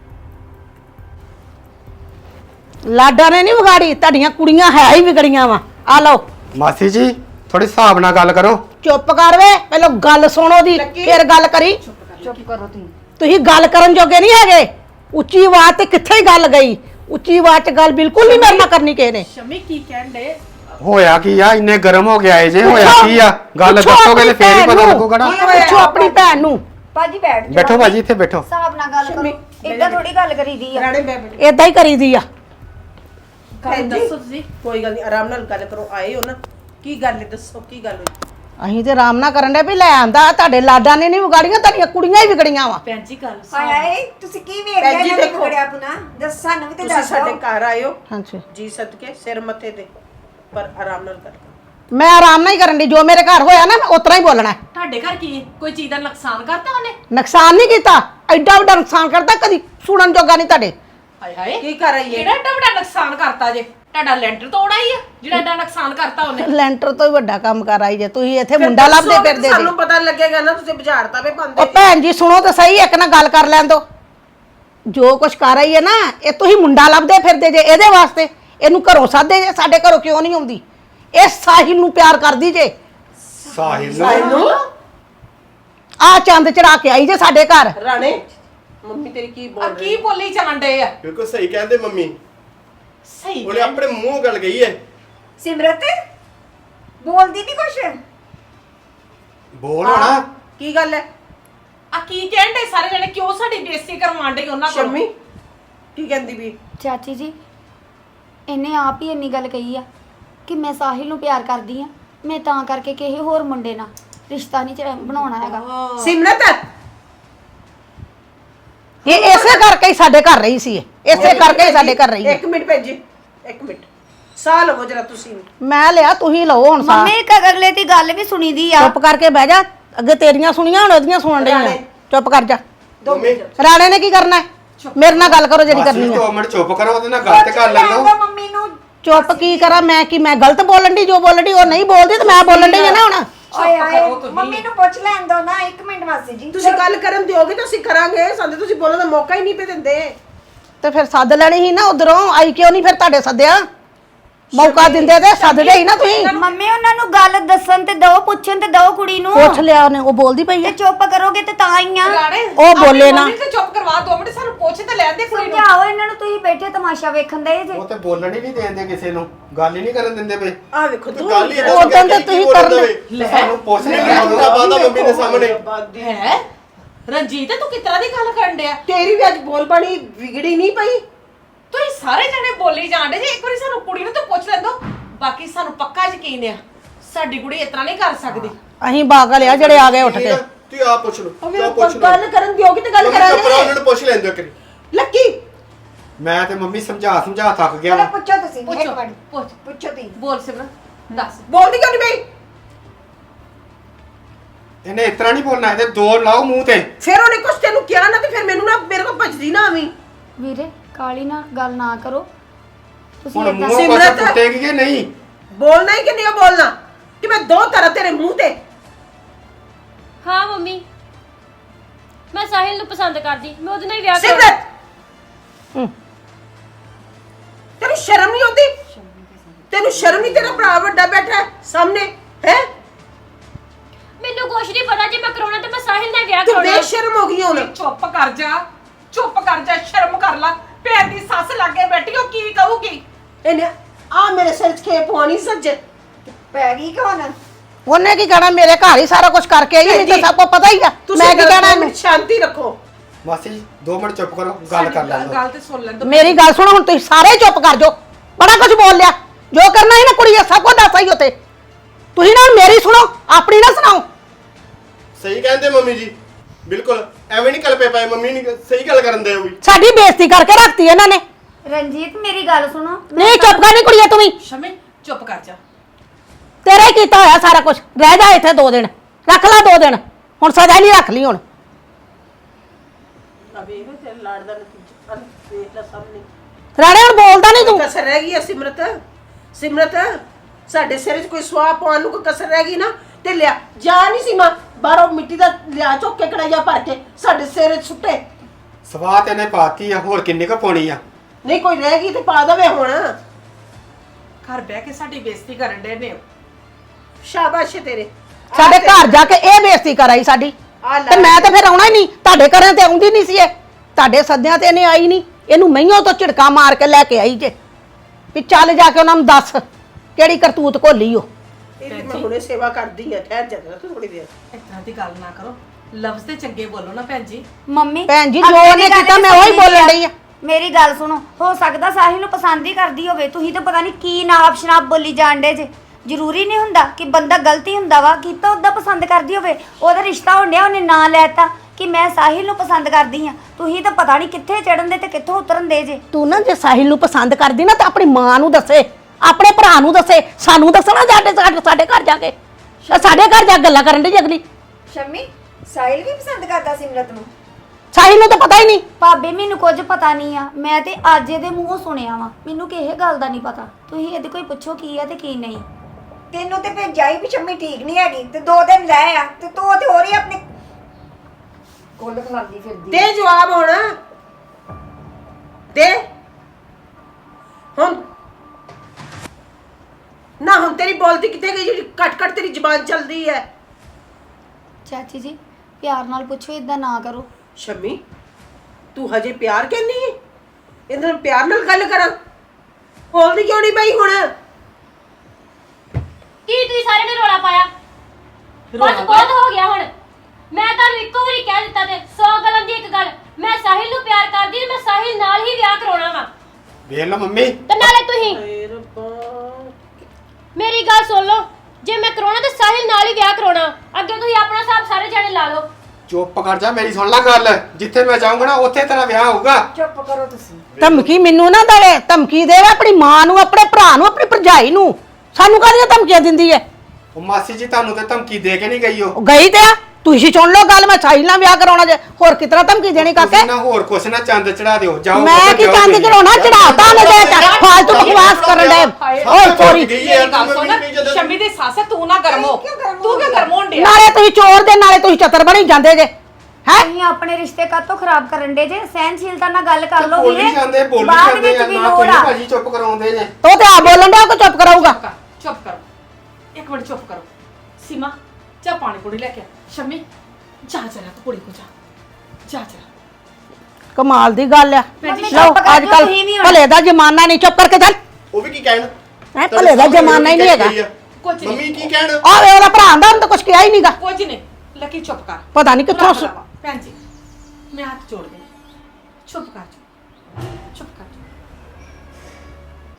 Speaker 1: ਲਾਡਾ ਨੇ ਨਹੀਂ ਵਿਗਾੜੀ, ਤੁਹਾਡੀਆਂ ਕੁੜੀਆਂ ਹੈ ਹੀ ਵਿਗੜੀਆਂ ਵਾ। ਆ ਲਓ।
Speaker 6: ਮਾਸੀ ਜੀ ਥੋੜੀ ਹਿਸਾਬ ਨਾਲ ਗੱਲ ਕਰੋ।
Speaker 1: ਚੁੱਪ ਕਰ ਵੇ, ਪਹਿਲਾਂ ਗੱਲ ਸੁਣੋ ਦੀ, ਫਿਰ ਗੱਲ ਕਰੀ।
Speaker 7: ਚੁੱਪ ਕਰੋ ਤੁਸੀਂ।
Speaker 1: ਤੁਸੀਂ ਗੱਲ ਕਰਨ ਜੋਗੇ ਨਹੀਂ ਹੈਗੇ। ਉੱਚੀ ਆਵਾਜ਼ ਤੇ ਕਿੱਥੇ ਹੀ ਗੱਲ ਗਈ? ਉੱਚੀ ਆਵਾਜ਼ 'ਚ ਗੱਲ ਬਿਲਕੁਲ ਨਹੀਂ ਮੇਰੇ ਨਾਲ ਕਰਨੀ ਕਿਸੇ ਨੇ।
Speaker 8: ਸ਼ਮੀ ਕੀ ਕਹਿਣ ਡੇ?
Speaker 6: ਹੋਇਆ ਕੀ ਆ? ਇੰਨੇ ਗਰਮ ਹੋ ਗਿਆ ਏ ਜੇ? ਹੋਇਆ ਕੀ ਆ? ਗੱਲ
Speaker 1: ਪੁੱਛੋ
Speaker 6: ਦੱਸੋਗੇ ਤੇ ਫੇਰ ਹੀ
Speaker 1: ਆਪਣੀ
Speaker 6: ਪਤਾ
Speaker 1: ਭੈਣ
Speaker 6: ਲੱਗੂਗਾ ਨਾ।
Speaker 1: ਨੂੰ। ਪੁੱਛੋ ਆਪਣੀ ਭੈਣ ਨੂੰ।
Speaker 7: ਭਾਜੀ ਬੈਠ ਜਾਓ।
Speaker 6: ਬੈਠੋ ਭਾਜੀ, ਇੱਥੇ ਬੈਠੋ।
Speaker 3: ਹਿਸਾਬ ਨਾਲ ਗੱਲ ਕਰੋ, ਏਦਾਂ ਥੋੜੀ ਗੱਲ ਕਰੀਦੀ ਆ।
Speaker 8: ਰਾਣੇ ਬੈ ਬੈ
Speaker 1: ਏਦਾਂ ਹੀ ਕਰੀਦੀ ਆ।
Speaker 8: ਗੱਲ ਦੱਸੋ ਤੁਸੀਂ। ਕੋਈ ਗੱਲ ਨਹੀਂ, ਆਰਾਮ ਨਾਲ ਗੱਲ ਕਰੋ। ਆਏ ਹੋ ਨਾ, ਕੀ ਗੱਲ ਹੈ ਦੱਸੋ, ਕੀ ਗੱਲ ਹੋਈ?
Speaker 1: ਅਸੀਂ ਤੇ ਆਰਾਮ ਨਾਲ ਕਰਨ ਦੇ ਵੀ ਲੈ ਆਂਦਾ। ਤੁਹਾਡੇ ਲਾਡਾਂ ਨੇ ਨਹੀਂ ਵਿਗਾੜੀਆਂ, ਤੁਹਾਡੀਆਂ ਕੁੜੀਆਂ ਹੀ ਵਿਗੜੀਆਂ ਵਾ।
Speaker 8: ਭੈਣ ਜੀ ਗੱਲ
Speaker 7: ਹਾਏ ਹਾਏ, ਤੁਸੀਂ ਕੀ ਵੇਖ
Speaker 8: ਭੈਣ ਜੀ
Speaker 7: ਰਹੇ ਹੋ?
Speaker 8: ਦੇਖੋ।
Speaker 7: ਵਿਗੜਿਆ ਪੁਨਾ ਦੱਸ, ਸਾਨੂੰ ਵੀ ਤੇ
Speaker 8: ਤੁਸੀਂ
Speaker 7: ਦੱਸ
Speaker 8: ਸਾਡੇ
Speaker 7: ਦਿਓ।
Speaker 8: ਘਰ ਆਇਓ
Speaker 1: ਹਾਂਜੀ,
Speaker 8: ਜੀ ਸਦਕੇ ਸਿਰ ਮੱਥੇ ਤੇ, ਪਰ ਆਰਾਮ ਨਾਲ ਗੱਲ ਕਰੋ।
Speaker 1: ਮੈਂ ਆਰਾਮ ਨਾਲ ਹੀ ਕਰਨ ਦੀ। ਜੋ ਮੇਰੇ ਘਰ ਹੋਇਆ ਨਾ ਮੈਂ ਉਤਰਾ ਹੀ ਬੋਲਣਾ ਹੈ।
Speaker 8: ਤੁਹਾਡੇ ਘਰ ਕੀ ਕੋਈ ਚੀਜ਼ ਦਾ ਨੁਕਸਾਨ ਕਰਤਾ ਉਹਨੇ?
Speaker 1: ਨੁਕਸਾਨ ਨਹੀਂ ਕੀਤਾ, ਐਡਾ ਵੱਡਾ ਨੁਕਸਾਨ ਕਰਤਾ ਕਦੀ ਸੁਣਨ ਜੋਗਾ ਨਹੀਂ ਤੁਹਾਡੇ।
Speaker 8: ਹਾਏ ਹਾਏ, ਕੀ ਕਰ ਰਹੀ ਹੈ? ਕਿਹੜਾ ਏਡਾ ਵੱਡਾ ਨੁਕਸਾਨ ਕਰਤਾ ਜੇ? ਤੁਹਾਡਾ ਲੈਂਟਰ ਤੋੜਾ ਹੀ ਆ ਜਿਹੜਾ ਏਡਾ ਨੁਕਸਾਨ ਕਰਤਾ ਉਹਨੇ?
Speaker 1: ਲੈਂਟਰ ਤੋਂ ਹੀ ਵੱਡਾ ਕੰਮ ਕਰ ਆਈ ਜੇ ਤੁਸੀਂ। ਇੱਥੇ ਮੁੰਡਾ ਲੱਭਦੇ ਫਿਰਦੇ ਜੀ।
Speaker 8: ਸਾਨੂੰ ਪਤਾ ਲੱਗੇਗਾ ਨਾ, ਤੁਸੀਂ ਬਾਜ਼ਾਰ ਤਾਂ ਵੇ ਪਾਉਂਦੇ
Speaker 1: ਉਹ ਭੈਣ ਜੀ ਸੁਣੋ ਤਾਂ ਸਹੀ, ਇੱਕ ਨਾ ਗੱਲ ਕਰ ਲੈਣ ਦੋ। ਜੋ ਕੁਛ ਕਰ ਰਹੀ ਹੈ ਨਾ, ਇਹ ਤੁਸੀਂ ਮੁੰਡਾ ਲੱਭਦੇ ਫਿਰਦੇ ਜੇ ਇਹਦੇ ਵਾਸਤੇ। ਇਹਨੂੰ ਘਰੋਂ ਸਾਦੇ ਜੇ, ਸਾਡੇ ਘਰੋਂ ਕਿਉਂ ਨਹੀਂ ਆਉਂਦੀ? ਇਹ ਸਾਹਿਲ ਨੂੰ ਪਿਆਰ ਕਰਦੀ ਜੇ।
Speaker 6: ਸਾਹਿਲ
Speaker 8: ਨੂੰ
Speaker 1: ਆ ਚੰਦ ਚੜਾ ਕੇ ਆਈ ਜੇ ਸਾਡੇ ਘਰ।
Speaker 8: ਰਾਣੇ, ਮੰਮੀ ਤੇਰੀ ਕੀ ਬੋਲ ਰਹੀ? ਕੀ ਬੋਲੀ ਜਾਣ ਡੇ ਆ?
Speaker 2: ਬਿਲਕੁਲ ਸਹੀ ਕਹਿੰਦੇ ਮੰਮੀ।
Speaker 8: ਸਹੀ
Speaker 2: ਉਹਨੇ ਆਪਣੇ ਮੂੰਹੋਂ ਗੱਲ ਕਹੀ ਹੈ।
Speaker 7: ਸਿਮਰਤ ਬੋਲਦੀ ਨਹੀਂ ਕੁਛ?
Speaker 6: ਬੋਲ ਹੋਣਾ।
Speaker 8: ਕੀ ਗੱਲ ਹੈ? ਆ ਕੀ ਕਹਿਣ ਡੇ ਸਾਰੇ ਜਣੇ? ਕਿਉਂ ਸਾਡੀ ਬੇਇੱਜ਼ਤੀ ਕਰਵਾਉਣ ਡੇ ਉਹਨਾਂ ਕੋਲ? ਸ਼ਮੀ ਕੀ ਕਹਿੰਦੀ ਵੀ?
Speaker 3: ਚਾਚੀ ਜੀ, ਇਹਨੇ ਆਪ ਹੀ ਇੰਨੀ ਗੱਲ ਕਹੀ ਆ ਕਿ ਮੈਂ ਸਾਹਿਲ ਨੂੰ ਪਿਆਰ ਕਰਦੀ ਆ, ਮੈਂ ਤਾਂ ਕਰਕੇ ਕਿਸੇ ਹੋਰ ਮੁੰਡੇ ਨਾਲ ਰਿਸ਼ਤਾ ਨਹੀਂ ਬਣਾਉਣਾ ਹੈਗਾ।
Speaker 8: ਸਿਮਰਤ,
Speaker 1: ਇਹ ਇਸੇ ਕਰਕੇ ਹੀ ਸਾਡੇ ਘਰ ਰਹੀ ਸੀ। ਇਸੇ ਕਰਕੇ ਹੀ ਸਾਡੇ ਘਰ ਰਹੀ ਹੈ।
Speaker 8: ਇੱਕ ਮਿੰਟ ਭੇਜੀ, ਇੱਕ ਮਿੰਟ ਸਾਹ ਲਵੋ ਜਰਾ ਤੁਸੀਂ।
Speaker 1: ਮੈਂ ਲਿਆ, ਤੁਸੀਂ ਲਓ ਹੁਣ ਸਾਹ।
Speaker 3: ਮੰਮੀ ਅਗਲੇ ਦੀ ਗੱਲ ਵੀ ਸੁਣੀਦੀ ਆ।
Speaker 1: ਚੁੱਪ ਕਰਕੇ ਬਹਿ ਜਾ। ਅੱਗੇ ਤੇਰੀਆਂ ਸੁਣੀਆਂ, ਹੁਣ ਉਹਦੀਆਂ ਸੁਣਨ ਡਈਆਂ। ਚੁੱਪ ਕਰ ਜਾ।
Speaker 2: ਮੰਮੀ
Speaker 1: ਰਾਣੇ ਨੇ ਕੀ ਕਰਨਾ ਹੈ? ਮੇਰੇ ਨਾਲ ਗੱਲ ਕਰੋ ਜਿਹੜੀ ਕਰਨੀ ਹੈ।
Speaker 6: 2 ਮਿੰਟ ਚੁੱਪ ਕਰੋ, ਉਹਦੇ ਨਾਲ ਗੱਲ ਤੇ ਕਰ ਲੈਂਦੋ।
Speaker 7: ਮੰਮੀ ਨੂੰ
Speaker 1: ਚੁੱਪ ਕੀ ਕਰਾਂ ਮੈਂ? ਕੀ ਮੈਂ ਗਲਤ ਬੋਲਣ ਦੀ? ਜੋ ਬੋਲਣ ਦੀ ਉਹ ਨਹੀਂ ਬੋਲਦੀ ਤੇ ਮੈਂ ਬੋਲਣ ਦੀ ਹੈ ਨਾ ਹੁਣ।
Speaker 7: ਓਏ ਹਾਏ, ਮੰਮੀ ਨੂੰ ਪੁੱਛ ਲੈਣ ਦੋ ਨਾ। ਇੱਕ ਮਿੰਟ ਮਾਸੀ ਜੀ,
Speaker 8: ਤੁਸੀਂ ਗੱਲ ਕਰਨ ਦਿਓਗੇ ਤਾਂ ਅਸੀਂ ਕਰਾਂਗੇ। ਸਾਨੂੰ ਤੁਸੀਂ ਬੋਲਣ ਦਾ ਮੌਕਾ ਹੀ ਨਹੀਂ ਪੇ ਦਿੰਦੇ।
Speaker 1: ਤੇ ਫਿਰ ਸੱਦ ਲੈਣੀ ਸੀ ਨਾ ਉਧਰੋਂ। ਆਈ ਕਿਉਂ ਨਹੀਂ ਫਿਰ ਤੁਹਾਡੇ ਸੱਦਿਆ? ਮੌਕਾ ਦਿੰਦੇ ਤੇ ਸੱਦਦੇ ਹੀ ਨਾ ਤੁਸੀਂ।
Speaker 3: ਮੰਮੀ ਉਹਨਾਂ ਨੂੰ ਗੱਲ ਦੱਸਣ ਤੇ ਦੋ, ਪੁੱਛਣ ਤੇ ਦੋ ਕੁੜੀ ਨੂੰ।
Speaker 1: ਪੁੱਛ ਲਿਆ ਉਹਨੇ, ਉਹ ਬੋਲਦੀ ਪਈ
Speaker 3: ਤੇ
Speaker 1: ਹੈ।
Speaker 3: ਚੁੱਪ ਕਰੋਗੇ ਤੇ ਤਾਂ ਹੀ ਆ।
Speaker 8: ਰਾਣੇ,
Speaker 1: ਉਹ ਬੋਲੇ ਨਾ।
Speaker 8: ਮੰਮੀ ਤੇ ਚੁੱਪ ਕਰਵਾ 2 ਮਿੰਟ, ਸਾਨੂੰ ਪੁੱਛ ਤੇ ਲੈਣ ਦੇ ਕੁੜੀ ਨੂੰ।
Speaker 3: ਸਮਝਾਓ ਇਹਨਾਂ ਨੂੰ, ਤੁਸੀਂ ਬੈਠੇ ਤਮਾਸ਼ਾ ਵੇਖਣ ਦੇ ਜੇ।
Speaker 6: ਉਹ ਤੇ ਬੋਲਣ ਹੀ ਨਹੀਂ ਦੇਂਦੇ ਕਿਸੇ ਨੂੰ, ਗੱਲ ਹੀ ਨਹੀਂ ਕਰਨ ਦਿੰਦੇ ਪਏ।
Speaker 8: ਆ ਵੇਖੋ ਤੂੰ
Speaker 2: ਗੱਲ ਹੀ
Speaker 1: ਉਦੋਂ ਤੇ ਤੁਸੀਂ ਕਰ
Speaker 2: ਲੈ
Speaker 6: ਸਾਨੂੰ ਪੁੱਛ
Speaker 2: ਲੈ
Speaker 6: ਲੈਣਾ
Speaker 2: ਬਾਦਾ ਮੰਮੀ ਦੇ ਸਾਹਮਣੇ।
Speaker 8: ਹੈ ਰਣਜੀਤ, ਤੂੰ ਕਿਸ ਤਰ੍ਹਾਂ ਦੀ ਗੱਲ ਕਰਨ ਡਿਆ?
Speaker 10: ਤੇਰੀ ਵੀ ਅੱਜ ਬੋਲ ਬਾਣੀ ਵਿਗੜੀ ਨਹੀਂ ਪਈ।
Speaker 8: ਤੁਸੀਂ ਸਾਰੇ ਜਣੇ ਬੋਲੀ ਜਾਂਦੇ ਜੇ। ਇੱਕ ਵਾਰੀ ਸਾਨੂੰ ਕੁੜੀ ਨੂੰ ਤਾਂ ਪੁੱਛ ਲੈਂਦੋ। ਬਾਕੀ ਸਾਨੂੰ ਪੱਕਾ ਯਕੀਨ ਆ ਸਾਡੀ ਕੁੜੀ ਇਸ ਤਰ੍ਹਾਂ ਨਹੀਂ ਕਰ ਸਕਦੀ।
Speaker 1: ਅਸੀਂ ਬਾਗਲ ਆ ਜਿਹੜੇ ਆ ਗਏ ਉੱਠ ਕੇ।
Speaker 2: ਤੂੰ ਆ ਪੁੱਛ ਲਓ, ਤੂੰ ਪੁੱਛ ਲਓ।
Speaker 10: ਗੱਲ ਕਰਨ ਦਿਓਗੇ ਤੇ ਗੱਲ
Speaker 2: ਕਰਾਂਗੇ।
Speaker 10: ਕਰਾਂਗੇ।
Speaker 2: ਉਹਨਾਂ ਨੂੰ ਪੁੱਛ ਲੈਂਦੇ ਕਰੀ।
Speaker 10: ਲੱਕੀ
Speaker 6: ਮੈਂ ਤੇ ਮੰਮੀ ਸਮਝਾ ਥੱਕ ਗਿਆ
Speaker 7: ਚਲੋ
Speaker 6: ਵਾਂ।
Speaker 7: ਪੁੱਛੋ ਤੁਸੀਂ। ਇੱਕ
Speaker 8: ਪੁੱਛੋ
Speaker 7: ਮਿੰਟ
Speaker 8: ਪੁੱਛ,
Speaker 7: ਪੁੱਛੋ ਤੁਸੀਂ।
Speaker 8: ਬੋਲ ਸਿਮਰਨ, ਦੱਸ।
Speaker 10: ਬੋਲਦੀ ਕਿਉਂ ਨਹੀਂ ਪਈ?
Speaker 6: ਇਹਨੇ ਇਸ ਤਰ੍ਹਾਂ ਨਹੀਂ ਬੋਲਣਾ, ਇਹਦੇ 2 ਲਾਓ ਮੂੰਹ ਤੇ।
Speaker 10: ਫਿਰ ਉਹਨੇ ਕੁਛ ਤੈਨੂੰ ਕਿਹਾ ਨਾ ਤੇ ਫਿਰ ਮੈਨੂੰ ਨਾ ਮੇਰੇ ਕੋਲ ਭੱਜਦੀ ਨਾ ਆਵੀਂ।
Speaker 3: ਵੀਰੇ ਕਾਲੀ ਨਾ ਗੱਲ ਨਾ ਕਰੋ ਤੁਸੀਂ।
Speaker 6: ਹੁਣ
Speaker 3: ਏਦਾਂ-
Speaker 6: ਮੂੰਹੋਂ
Speaker 10: ਸਿਮਰਤ।
Speaker 6: ਕੁਛ ਟੁੱਟੇਗੀ ਕਿ ਨਹੀਂ?
Speaker 10: ਬੋਲਣਾ ਹੀ ਕਿ ਨਹੀਂ ਬੋਲਣਾ ਕਿ ਮੈਂ 2 ਤਰ੍ਹਾਂ ਤੇਰੇ ਮੂੰਹ ਤੇ।
Speaker 4: ਹਾਂ ਮੰਮੀ, ਮੈਂ ਸਾਹਿਲ ਨੂੰ ਪਸੰਦ ਕਰਦੀ, ਮੈਂ ਉਹਦੇ ਨਾਲ ਹੀ ਵਿਆਹ ਕਰਾਂਗੀ।
Speaker 10: ਸਿਮਰਤ, ਤੈਨੂੰ ਸ਼ਰਮ ਨਹੀਂ ਆਉਂਦੀ? ਤੈਨੂੰ ਸ਼ਰਮ ਨਹੀਂ? ਤੇਰਾ ਭਰਾ ਵੱਡਾ ਬੈਠਾ ਹੈ ਸਾਹਮਣੇ ਹੈ।
Speaker 4: ਮੈਨੂੰ ਕੁਛ ਨਹੀਂ ਪਤਾ, ਜੇ ਮੈਂ ਕਰਾਉਣਾ ਤੇ ਮੈਂ ਸਾਹਿਲ ਨਾਲ ਵਿਆਹ
Speaker 10: ਤੂੰ
Speaker 4: ਕਰਾਉਣਾ।
Speaker 10: ਬੇਸ਼ਰਮ ਹੋ ਗਈ ਹੁਣ।
Speaker 8: ਚੁੱਪ ਕਰ ਜਾ, ਚੁੱਪ ਕਰ ਜਾ, ਸ਼ਰਮ ਕਰ ਲੈ। ਭੈਣ ਦੀ ਸੱਸ ਲਾਗੇ ਬੈਠੀ, ਉਹ ਕੀ ਕਹੂਗੀ?
Speaker 10: ਇਹਨੇ ਆ ਮੇਰੇ ਸਿਰ 'ਚ ਖੇਪ ਹੋਣੀ ਸੱਜ।
Speaker 7: ਪੈ ਗਈ ਕੌਣ?
Speaker 1: ਉਹਨੇ ਕੀ ਕਹਿਣਾ ਮੇਰੇ ਘਰ ਹੀ ਸਾਰਾ ਕੁਝ ਕਰਕੇ ਆਈ ਨਹੀਂ ਤਾਂ ਸਭ ਕੋ ਪਤਾ ਹੀ ਆ ਮੈਂ ਕੀ ਕਹਿਣਾ ਇਹਨੂੰ
Speaker 10: ਸ਼ਾਂਤੀ ਰੱਖੋ।
Speaker 6: ਮਾਸੀ 2 ਮਿੰਟ ਚੁੱਪ ਕਰੋ, ਗੱਲ ਕਰ ਲੈਣ ਦਿਓ।
Speaker 8: ਗੱਲ ਤੇ ਸੁਣ ਲੈਣ ਦੋ।
Speaker 1: ਮੇਰੀ ਗੱਲ ਸੁਣੋ ਹੁਣ ਤੁਸੀਂ ਸਾਰੇ ਚੁੱਪ ਕਰ ਜਾਓ ਬੜਾ ਕੁਝ ਬੋਲ ਲਿਆ ਜੋ ਕਰਨਾ ਸੀ ਨਾ ਕੁੜੀ ਸਭ ਕੁਝ ਦੱਸ ਆਈ ਉਤੇ ਤੁਸੀਂ ਨਾ ਹੁਣ ਮੇਰੀ ਸੁਣੋ ਆਪਣੀ ਨਾ ਸੁਣਾਓ
Speaker 2: ਸਹੀ ਕਹਿੰਦੇ ਮੰਮੀ ਜੀ, ਬਿਲਕੁਲ ਐਵੇਂ ਨਹੀਂ ਕਲਪੇ ਪਏ, ਮੰਮੀ ਨਹੀਂ ਸਹੀ ਗੱਲ ਕਰਨ ਦੇ ਉਹ ਵੀ।
Speaker 1: ਸਾਡੀ ਬੇਇੱਜ਼ਤੀ ਕਰਕੇ ਰੱਖਤੀ ਇਹਨਾਂ ਨੇ
Speaker 3: ਰਣਜੀਤ ਮੇਰੀ ਗੱਲ ਸੁਣੋ।
Speaker 1: ਨਹੀਂ ਚੁੱਪ ਕਰ ਨਹੀਂ ਕੁੜੀਏ ਤੂੰ ਵੀ
Speaker 8: ਸ਼ਮੀ ਚੁੱਪ ਕਰ ਜਾ।
Speaker 1: ਤੇਰਾ ਹੀ ਕੀਤਾ ਹੋਇਆ ਸਾਰਾ ਕੁਝ ਰਹਿ ਜਾ ਇੱਥੇ 2 ਦਿਨ ਰੱਖ ਲੈ 2 ਦਿਨ ਹੁਣ ਸਜ਼ਾ ਨਹੀਂ ਰੱਖ ਲਈ ਹੁਣ
Speaker 10: ਅਬੇ ਤੇ ਲੜ ਦਾ ਨਤੀਜਾ ਦੇਖ ਲੈ ਸਾਹਮਣੇ।
Speaker 1: ਰਾਣੇ ਹੁਣ ਬੋਲਦਾ ਨਹੀਂ ਤੂੰ
Speaker 10: ਕਸਰ ਰਹਿ ਗਈ ਹੈ ਸਿਮਰਤ। ਸਿਮਰਤ ਸਾਡੇ ਸਿਰ 'ਚ ਕੋਈ ਸਵਾਹ ਪਾਉਣ ਨੂੰ ਕੋਈ ਕਸਰ ਰਹਿ ਗਈ ਨਾ ਤੇ ਲਿਆ ਜਾ ਨਹੀਂ ਸੀਮਾ ਬਾਹਰੋਂ ਮਿੱਟੀ ਦਾ ਲਿਆ ਚੁੱਕ ਕੇ ਕੜਾਈਆ ਭਰ ਕੇ ਸਾਡੇ ਸਿਰ 'ਚ ਸੁੱਟੇ।
Speaker 6: ਸਵਾਹ ਤੇ ਇਹਨੇ ਪਾਤੀ ਆ, ਹੋਰ ਕਿੰਨੀ ਕੁ ਪਾਉਣੀ ਆ?
Speaker 10: ਨਹੀਂ ਕੋਈ ਰਹਿ ਗਈ ਤੇ ਪਾ ਦੇਵੇ ਹੁਣ।
Speaker 8: ਘਰ ਬਹਿ ਕੇ ਸਾਡੀ ਬੇਇੱਜ਼ਤੀ ਕਰਨ ਦੇ ਨੇ।
Speaker 10: ਸ਼ਾਬਾਸ਼ ਏ ਤੇਰੇ।
Speaker 1: ਸਾਡੇ ਘਰ ਜਾ ਕੇ ਇਹ ਬੇਇੱਜ਼ਤੀ ਕਰਾਈ ਸਾਡੀ
Speaker 10: ਆ ਲੈ।
Speaker 1: ਤੇ ਮੈਂ ਤਾਂ ਫਿਰ ਆਉਣਾ ਹੀ ਨਹੀਂ ਤੁਹਾਡੇ ਘਰਾਂ ਤੇ ਆਉਂਦੀ ਨਹੀਂ ਸੀ ਇਹ ਤੁਹਾਡੇ ਸੱਦਿਆਂ ਤੇ ਇਹਨੇ ਆਈ ਨਹੀਂ ਇਹਨੂੰ ਮਈਆਂ ਤੋਂ ਝਿੜਕਾ ਮਾਰ ਕੇ ਲੈ ਕੇ ਆਈ ਜੇ ਵੀ ਚੱਲ ਜਾ ਕੇ ਉਹਨਾਂ ਨੂੰ ਦੱਸ ਕਿਹੜੀ ਕਰਤੂਤ ਘੋਲੀ ਉਹ
Speaker 10: ਇਹਦੀ ਮੈਂ ਹੁਣੇ ਸੇਵਾ ਕਰਦੀ ਆ, ਠਹਿਰ ਜਾ ਤੂੰ ਥੋੜੀ ਦੇਰ।
Speaker 8: ਇਸ ਤਰ੍ਹਾਂ ਦੀ ਗੱਲ ਨਾ ਕਰੋ, ਲਫ਼ਜ਼ ਤੇ ਚੰਗੇ ਬੋਲੋ ਨਾ ਭੈਣ ਜੀ।
Speaker 3: ਮੰਮੀ
Speaker 1: ਭੈਣ ਜੀ,
Speaker 3: ਆ
Speaker 1: ਜੋ
Speaker 3: ਮੇਰੀ
Speaker 1: ਉਹਨੇ
Speaker 3: ਗੱਲ
Speaker 1: ਕੀਤਾ, ਮੈਂ
Speaker 3: ਸੁਣ
Speaker 1: ਉਹੀ
Speaker 3: ਲਈ
Speaker 1: ਬੋਲਣ
Speaker 3: ਆ।
Speaker 1: ਡਈ ਆ।
Speaker 3: ਮੇਰੀ ਗੱਲ ਸੁਣੋ, ਹੋ ਸਕਦਾ ਸਾਹਿਲ ਨੂੰ ਪਸੰਦ ਹੀ ਕਰਦੀ ਹੋਵੇ, ਤੁਸੀਂ ਤਾਂ ਪਤਾ ਨਹੀਂ ਕੀ ਨਾਪ ਸ਼ਨਾਪ ਬੋਲੀ ਜਾਂਦੇ ਜੇ। ਜ਼ਰੂਰੀ ਨਹੀਂ ਹੁੰਦਾ ਕਿ ਬੰਦਾ ਗਲਤੀ ਹੁੰਦਾ ਵਾ, ਕੀਤਾ ਉਹਦਾ ਪਸੰਦ ਕਰਦੀ ਹੋਵੇ। ਉਹਦਾ ਰਿਸ਼ਤਾ ਹੁੰਦਿਆ ਉਹਨੇ ਨਾਂ ਲੈਤਾ ਕਿ ਮੈਂ ਸਾਹਿਲ ਨੂੰ ਪਸੰਦ ਕਰਦੀ ਆ। ਤੁਸੀਂ ਤਾਂ ਪਤਾ ਨਹੀਂ ਕਿੱਥੇ ਚੜਨ ਦੇ ਤੇ ਕਿੱਥੋਂ ਉਤਰਨ ਦੇ ਜੇ।
Speaker 1: ਤੂੰ ਨਾ ਜੇ ਸਾਹਿਲ ਨੂੰ ਪਸੰਦ ਕਰਦੀ ਨਾ ਤਾਂ ਆਪਣੀ ਮਾਂ ਨੂੰ ਦੱਸੇ ਆਪਣੇ ਭਰਾ ਨੂੰ ਦੱਸੇ ਸਾਨੂੰ ਦੱਸਣਾ ਸਾਡੇ ਘਰ ਜਾ ਕੇ ਸਾਡੇ ਘਰ ਜਾ ਕੇ ਗੱਲਾਂ ਕਰਨ ਦੀ ਅਗਲੀ
Speaker 7: ਸ਼ਮੀ ਸਾਹਿਲ ਵੀ ਪਸੰਦ ਕਰਦਾ ਸਿਮਰਤ ਨੂੰ।
Speaker 1: ਸਾਹਿਲ ਨੂੰ ਤਾਂ ਪਤਾ ਹੀ ਨਹੀਂ
Speaker 3: ਭਾਬੀ ਮੈਨੂੰ ਕੁਝ ਪਤਾ ਨਹੀਂ ਆ, ਮੈਂ ਤੇ ਅੱਜ ਇਹਦੇ ਮੂੰਹੋਂ ਸੁਣਿਆ ਵਾ, ਮੈਨੂੰ ਕਿਸੇ ਗੱਲ ਦਾ ਨਹੀਂ ਪਤਾ। ਤੁਸੀਂ ਇਹਦੇ ਕੋਈ ਪੁੱਛੋ ਕੀ ਆ ਤੇ ਕੀ ਨਹੀਂ।
Speaker 7: ਤੈਨੂੰ ਤੇ ਭੇਜਿਆ ਹੀ ਵੀ ਸ਼ਮੀ ਠੀਕ ਨਹੀਂ ਹੈਗੀ ਤੇ 2 ਦਿਨ ਰਹਿ ਆ ਤੇ ਤੂੰ ਤੇ ਹੋਰ ਹੀ ਆਪਣੇ ਕੋਲ ਖਲਾਉਂਦੀ ਫਿਰਦੀ।
Speaker 10: ਦੇ ਜਵਾਬ ਹੁਣ ਦੇ ਹੁਣ ਨਾ। ਹੁਣ ਤੇਰੀ ਬੋਲਦੀ ਕਿਤੇ ਗਈ ਜਿਹੜੀ ਕੱਟ ਕੱਟ ਤੇਰੀ ਜ਼ੁਬਾਨ ਚੱਲਦੀ ਹੈ।
Speaker 3: ਚਾਚੀ ਜੀ ਪਿਆਰ ਨਾਲ ਪੁੱਛੋ, ਇਦਾਂ ਨਾ ਕਰੋ।
Speaker 10: ਸ਼ਮੀ ਤੂੰ ਹਜੇ ਪਿਆਰ ਕਹਿੰਦੀ ਹੈ? ਇਹਦੇ ਨਾਲ ਪਿਆਰ ਨਾਲ ਗੱਲ ਕਰਾਂ, ਬੋਲਦੀ ਕਿਉਂ ਨਹੀਂ ਪਈ ਹੁਣ?
Speaker 4: ਕੀ ਤੁਸੀਂ ਸਾਰੇ ਨੇ ਰੋਲਾ ਪਾਇਆ? ਬਸ ਬਹੁਤ ਹੋ ਗਿਆ ਹੁਣ। ਮੈਂ ਤੁਹਾਨੂੰ ਇੱਕੋ ਵਾਰੀ ਕਹਿ ਦਿੱਤਾ ਤੇ 100 ਗੱਲਾਂ ਦੀ ਇੱਕ ਗੱਲ, ਮੈਂ ਸਾਹਿਲ ਨੂੰ ਪਿਆਰ ਕਰਦੀ ਤੇ ਮੈਂ ਸਾਹਿਲ ਨਾਲ ਹੀ ਵਿਆਹ ਕਰਾਉਣਾ ਵਾ।
Speaker 6: ਵੇਖ ਲਓ ਮੰਮੀ,
Speaker 4: ਤੇ ਨਾਲੇ ਤੁਸੀਂ
Speaker 10: ਏ ਰੱਬਾ,
Speaker 4: ਮੇਰੀ ਗੱਲ ਸੁਣ ਲਓ, ਜੇ ਮੈਂ ਕਰਾਉਣਾ ਤੇ ਸਾਹਿਲ ਨਾਲ ਹੀ ਵਿਆਹ ਕਰਾਉਣਾ। ਅੱਗੇ ਤੁਸੀਂ ਆਪਣਾ ਹਿਸਾਬ ਸਾਰੇ ਜਾਣੇ ਲਾ ਲਓ।
Speaker 6: ਚੁੱਪ ਕਰ ਜਾ, ਮੇਰੀ ਸੁਣ ਲੈ ਗੱਲ। ਜਿੱਥੇ ਮੈਂ ਜਾਊਂਗਾ ਨਾ ਉੱਥੇ ਤੇਰਾ ਵਿਆਹ ਹੋਊਗਾ।
Speaker 7: ਚੁੱਪ ਕਰੋ ਤੁਸੀਂ।
Speaker 1: ਧਮਕੀ ਮੈਨੂੰ ਨਾ ਦੇਵੇ, ਧਮਕੀ ਦੇਵੇ ਆਪਣੀ ਮਾਂ ਨੂੰ, ਆਪਣੇ ਭਰਾ ਨੂੰ, ਆਪਣੀ ਭਰਜਾਈ ਨੂੰ। ਸਾਨੂੰ ਕਾਹਦੀਆਂ ਧਮਕੀਆਂ ਦਿੰਦੀ ਹੈ?
Speaker 6: ਉਹ ਮਾਸੀ ਜੀ ਤੁਹਾਨੂੰ ਤੇ ਧਮਕੀ ਦੇ ਕੇ ਨਹੀਂ ਗਈ ਉਹ।
Speaker 1: ਉਹ ਗਈ ਤੇ ਆ ਤੁਸੀਂ ਸੁਣ ਲਓ ਗੱਲ, ਮੈਂ ਸਾਹਿਲ ਨਾਲ ਵਿਆਹ ਕਰਾਉਣਾ ਜੇ ਹੋਰ ਕਿਤਨਾ ਧਮਕੀ ਦੇਣੀ ਕਾਕੇ?
Speaker 6: ਤੁਸੀਂ ਨਾ ਹੋਰ ਕੁਛ ਨਾ ਚੰਦ ਚੜਾ ਦਿਓ, ਜਾਓ
Speaker 1: ਮੈਂ
Speaker 6: ਉੱਧਰ
Speaker 1: ਕੀ
Speaker 6: ਜਾਓ
Speaker 1: ਚੰਦ
Speaker 6: ਤੁਸੀਂ।
Speaker 1: ਚੜਾਉਣਾ ਚੜਾਤਾ ਨੇ ਦੇ ਫਾਲਤੂ ਬਕਵਾਸ ਕਰਨ ਦੇ। ਓਏ ਸੌਰੀ
Speaker 8: ਮੇਰੀ ਗੱਲ ਸੁਣ, ਸ਼ਮੀ ਦੀ ਸੱਸ ਤੂੰ ਨਾ ਗਰਮੋ। ਤੂੰ ਕਿਉਂ ਗਰਮੋਂ ਡਿਆ?
Speaker 1: ਨਾਲੇ ਤੁਸੀਂ ਚੋਰ ਦੇ ਨਾਲੇ ਤੁਸੀਂ ਚਤਰ ਬਣੀ ਜਾਂਦੇ ਜੇ ਹੈ।
Speaker 3: ਤੁਸੀਂ ਆਪਣੇ ਰਿਸ਼ਤੇ ਕਾਤੋਂ ਖਰਾਬ ਕਰਨ ਦੇ ਜੇ? ਸਹਿਨਸ਼ੀਲਤਾ ਨਾਲ ਗੱਲ ਕਰ ਲਓ
Speaker 6: ਬੋਲੀ ਜਾਂਦੇ
Speaker 3: ਬਾਅਦ
Speaker 6: ਜਾਂਦੇ
Speaker 3: ਵਿੱਚ
Speaker 6: ਆ,
Speaker 3: ਵੀ
Speaker 6: ਨਾ
Speaker 3: ਲੋੜ
Speaker 6: ਤੁਸੀਂ
Speaker 3: ਆ।
Speaker 6: ਭਾਜੀ ਚੁੱਪ ਕਰਾਉਂਦੇ ਜੇ।
Speaker 1: ਉਹ ਤੇ ਆ ਬੋਲਣ ਦਾ ਕੋ ਚੁੱਪ ਕਰਾਊਗਾ।
Speaker 8: ਚੁੱਪ ਕਰੋ, ਇੱਕ ਮਿੰਟ ਚੁੱਪ ਕਰੋ। ਸੀਮਾ ਜਾ ਪਾਣੀ ਪੂਣੀ ਲੈ ਕੇ ਆ। ਸ਼ਮੀ ਜਾ ਜਰਾ ਤੂੰ ਕੁੜੀ ਕੋ ਜਾ ਜਾ ਜਰਾ।
Speaker 1: ਕਮਾਲ ਦੀ ਗੱਲ ਆ।
Speaker 3: ਮੰਮੀ
Speaker 1: ਲਓ
Speaker 3: ਚੁੱਪ ਕਰ
Speaker 1: ਅੱਜ
Speaker 3: ਜਾਓ
Speaker 1: ਕੱਲ
Speaker 3: ਤੁਸੀਂ ਵੀ ਹੁਣ।
Speaker 1: ਭਲੇ ਦਾ ਜ਼ਮਾਨਾ ਨਹੀਂ, ਚੁੱਪ ਕਰਕੇ ਚੱਲ।
Speaker 2: ਉਹ ਵੀ ਕੀ ਕਹਿਣ?
Speaker 1: ਹੈ ਭਲੇ ਦਾ ਜ਼ਮਾਨਾ ਹੀ ਨਹੀਂ ਹੈਗਾ।
Speaker 8: ਕੁਝ ਨਹੀਂ,
Speaker 2: ਮੰਮੀ ਕੀ ਕਹਿਣ?
Speaker 1: ਆਵੇ ਉਹਦਾ ਭਰਾ ਆਂਦਾ ਉਹਨੂੰ ਤਾਂ ਕੁਝ ਕਿਹਾ ਹੀ ਨਹੀਂਗਾ।
Speaker 8: ਕੁਝ ਨਹੀਂ। ਲੱਕੀ ਚੁੱਪ ਕਰ।
Speaker 1: ਪਤਾ ਨਹੀਂ ਕਿੱਥੋਂ
Speaker 8: ਭਰਾ ਭਰਾ। ਭੈਣ ਜੀ ਮੈਂ ਹੱਥ ਜੋੜ ਗਈ, ਚੁੱਪ ਕਰ ਜਾ, ਚੁੱਪ ਕਰ ਜਾ।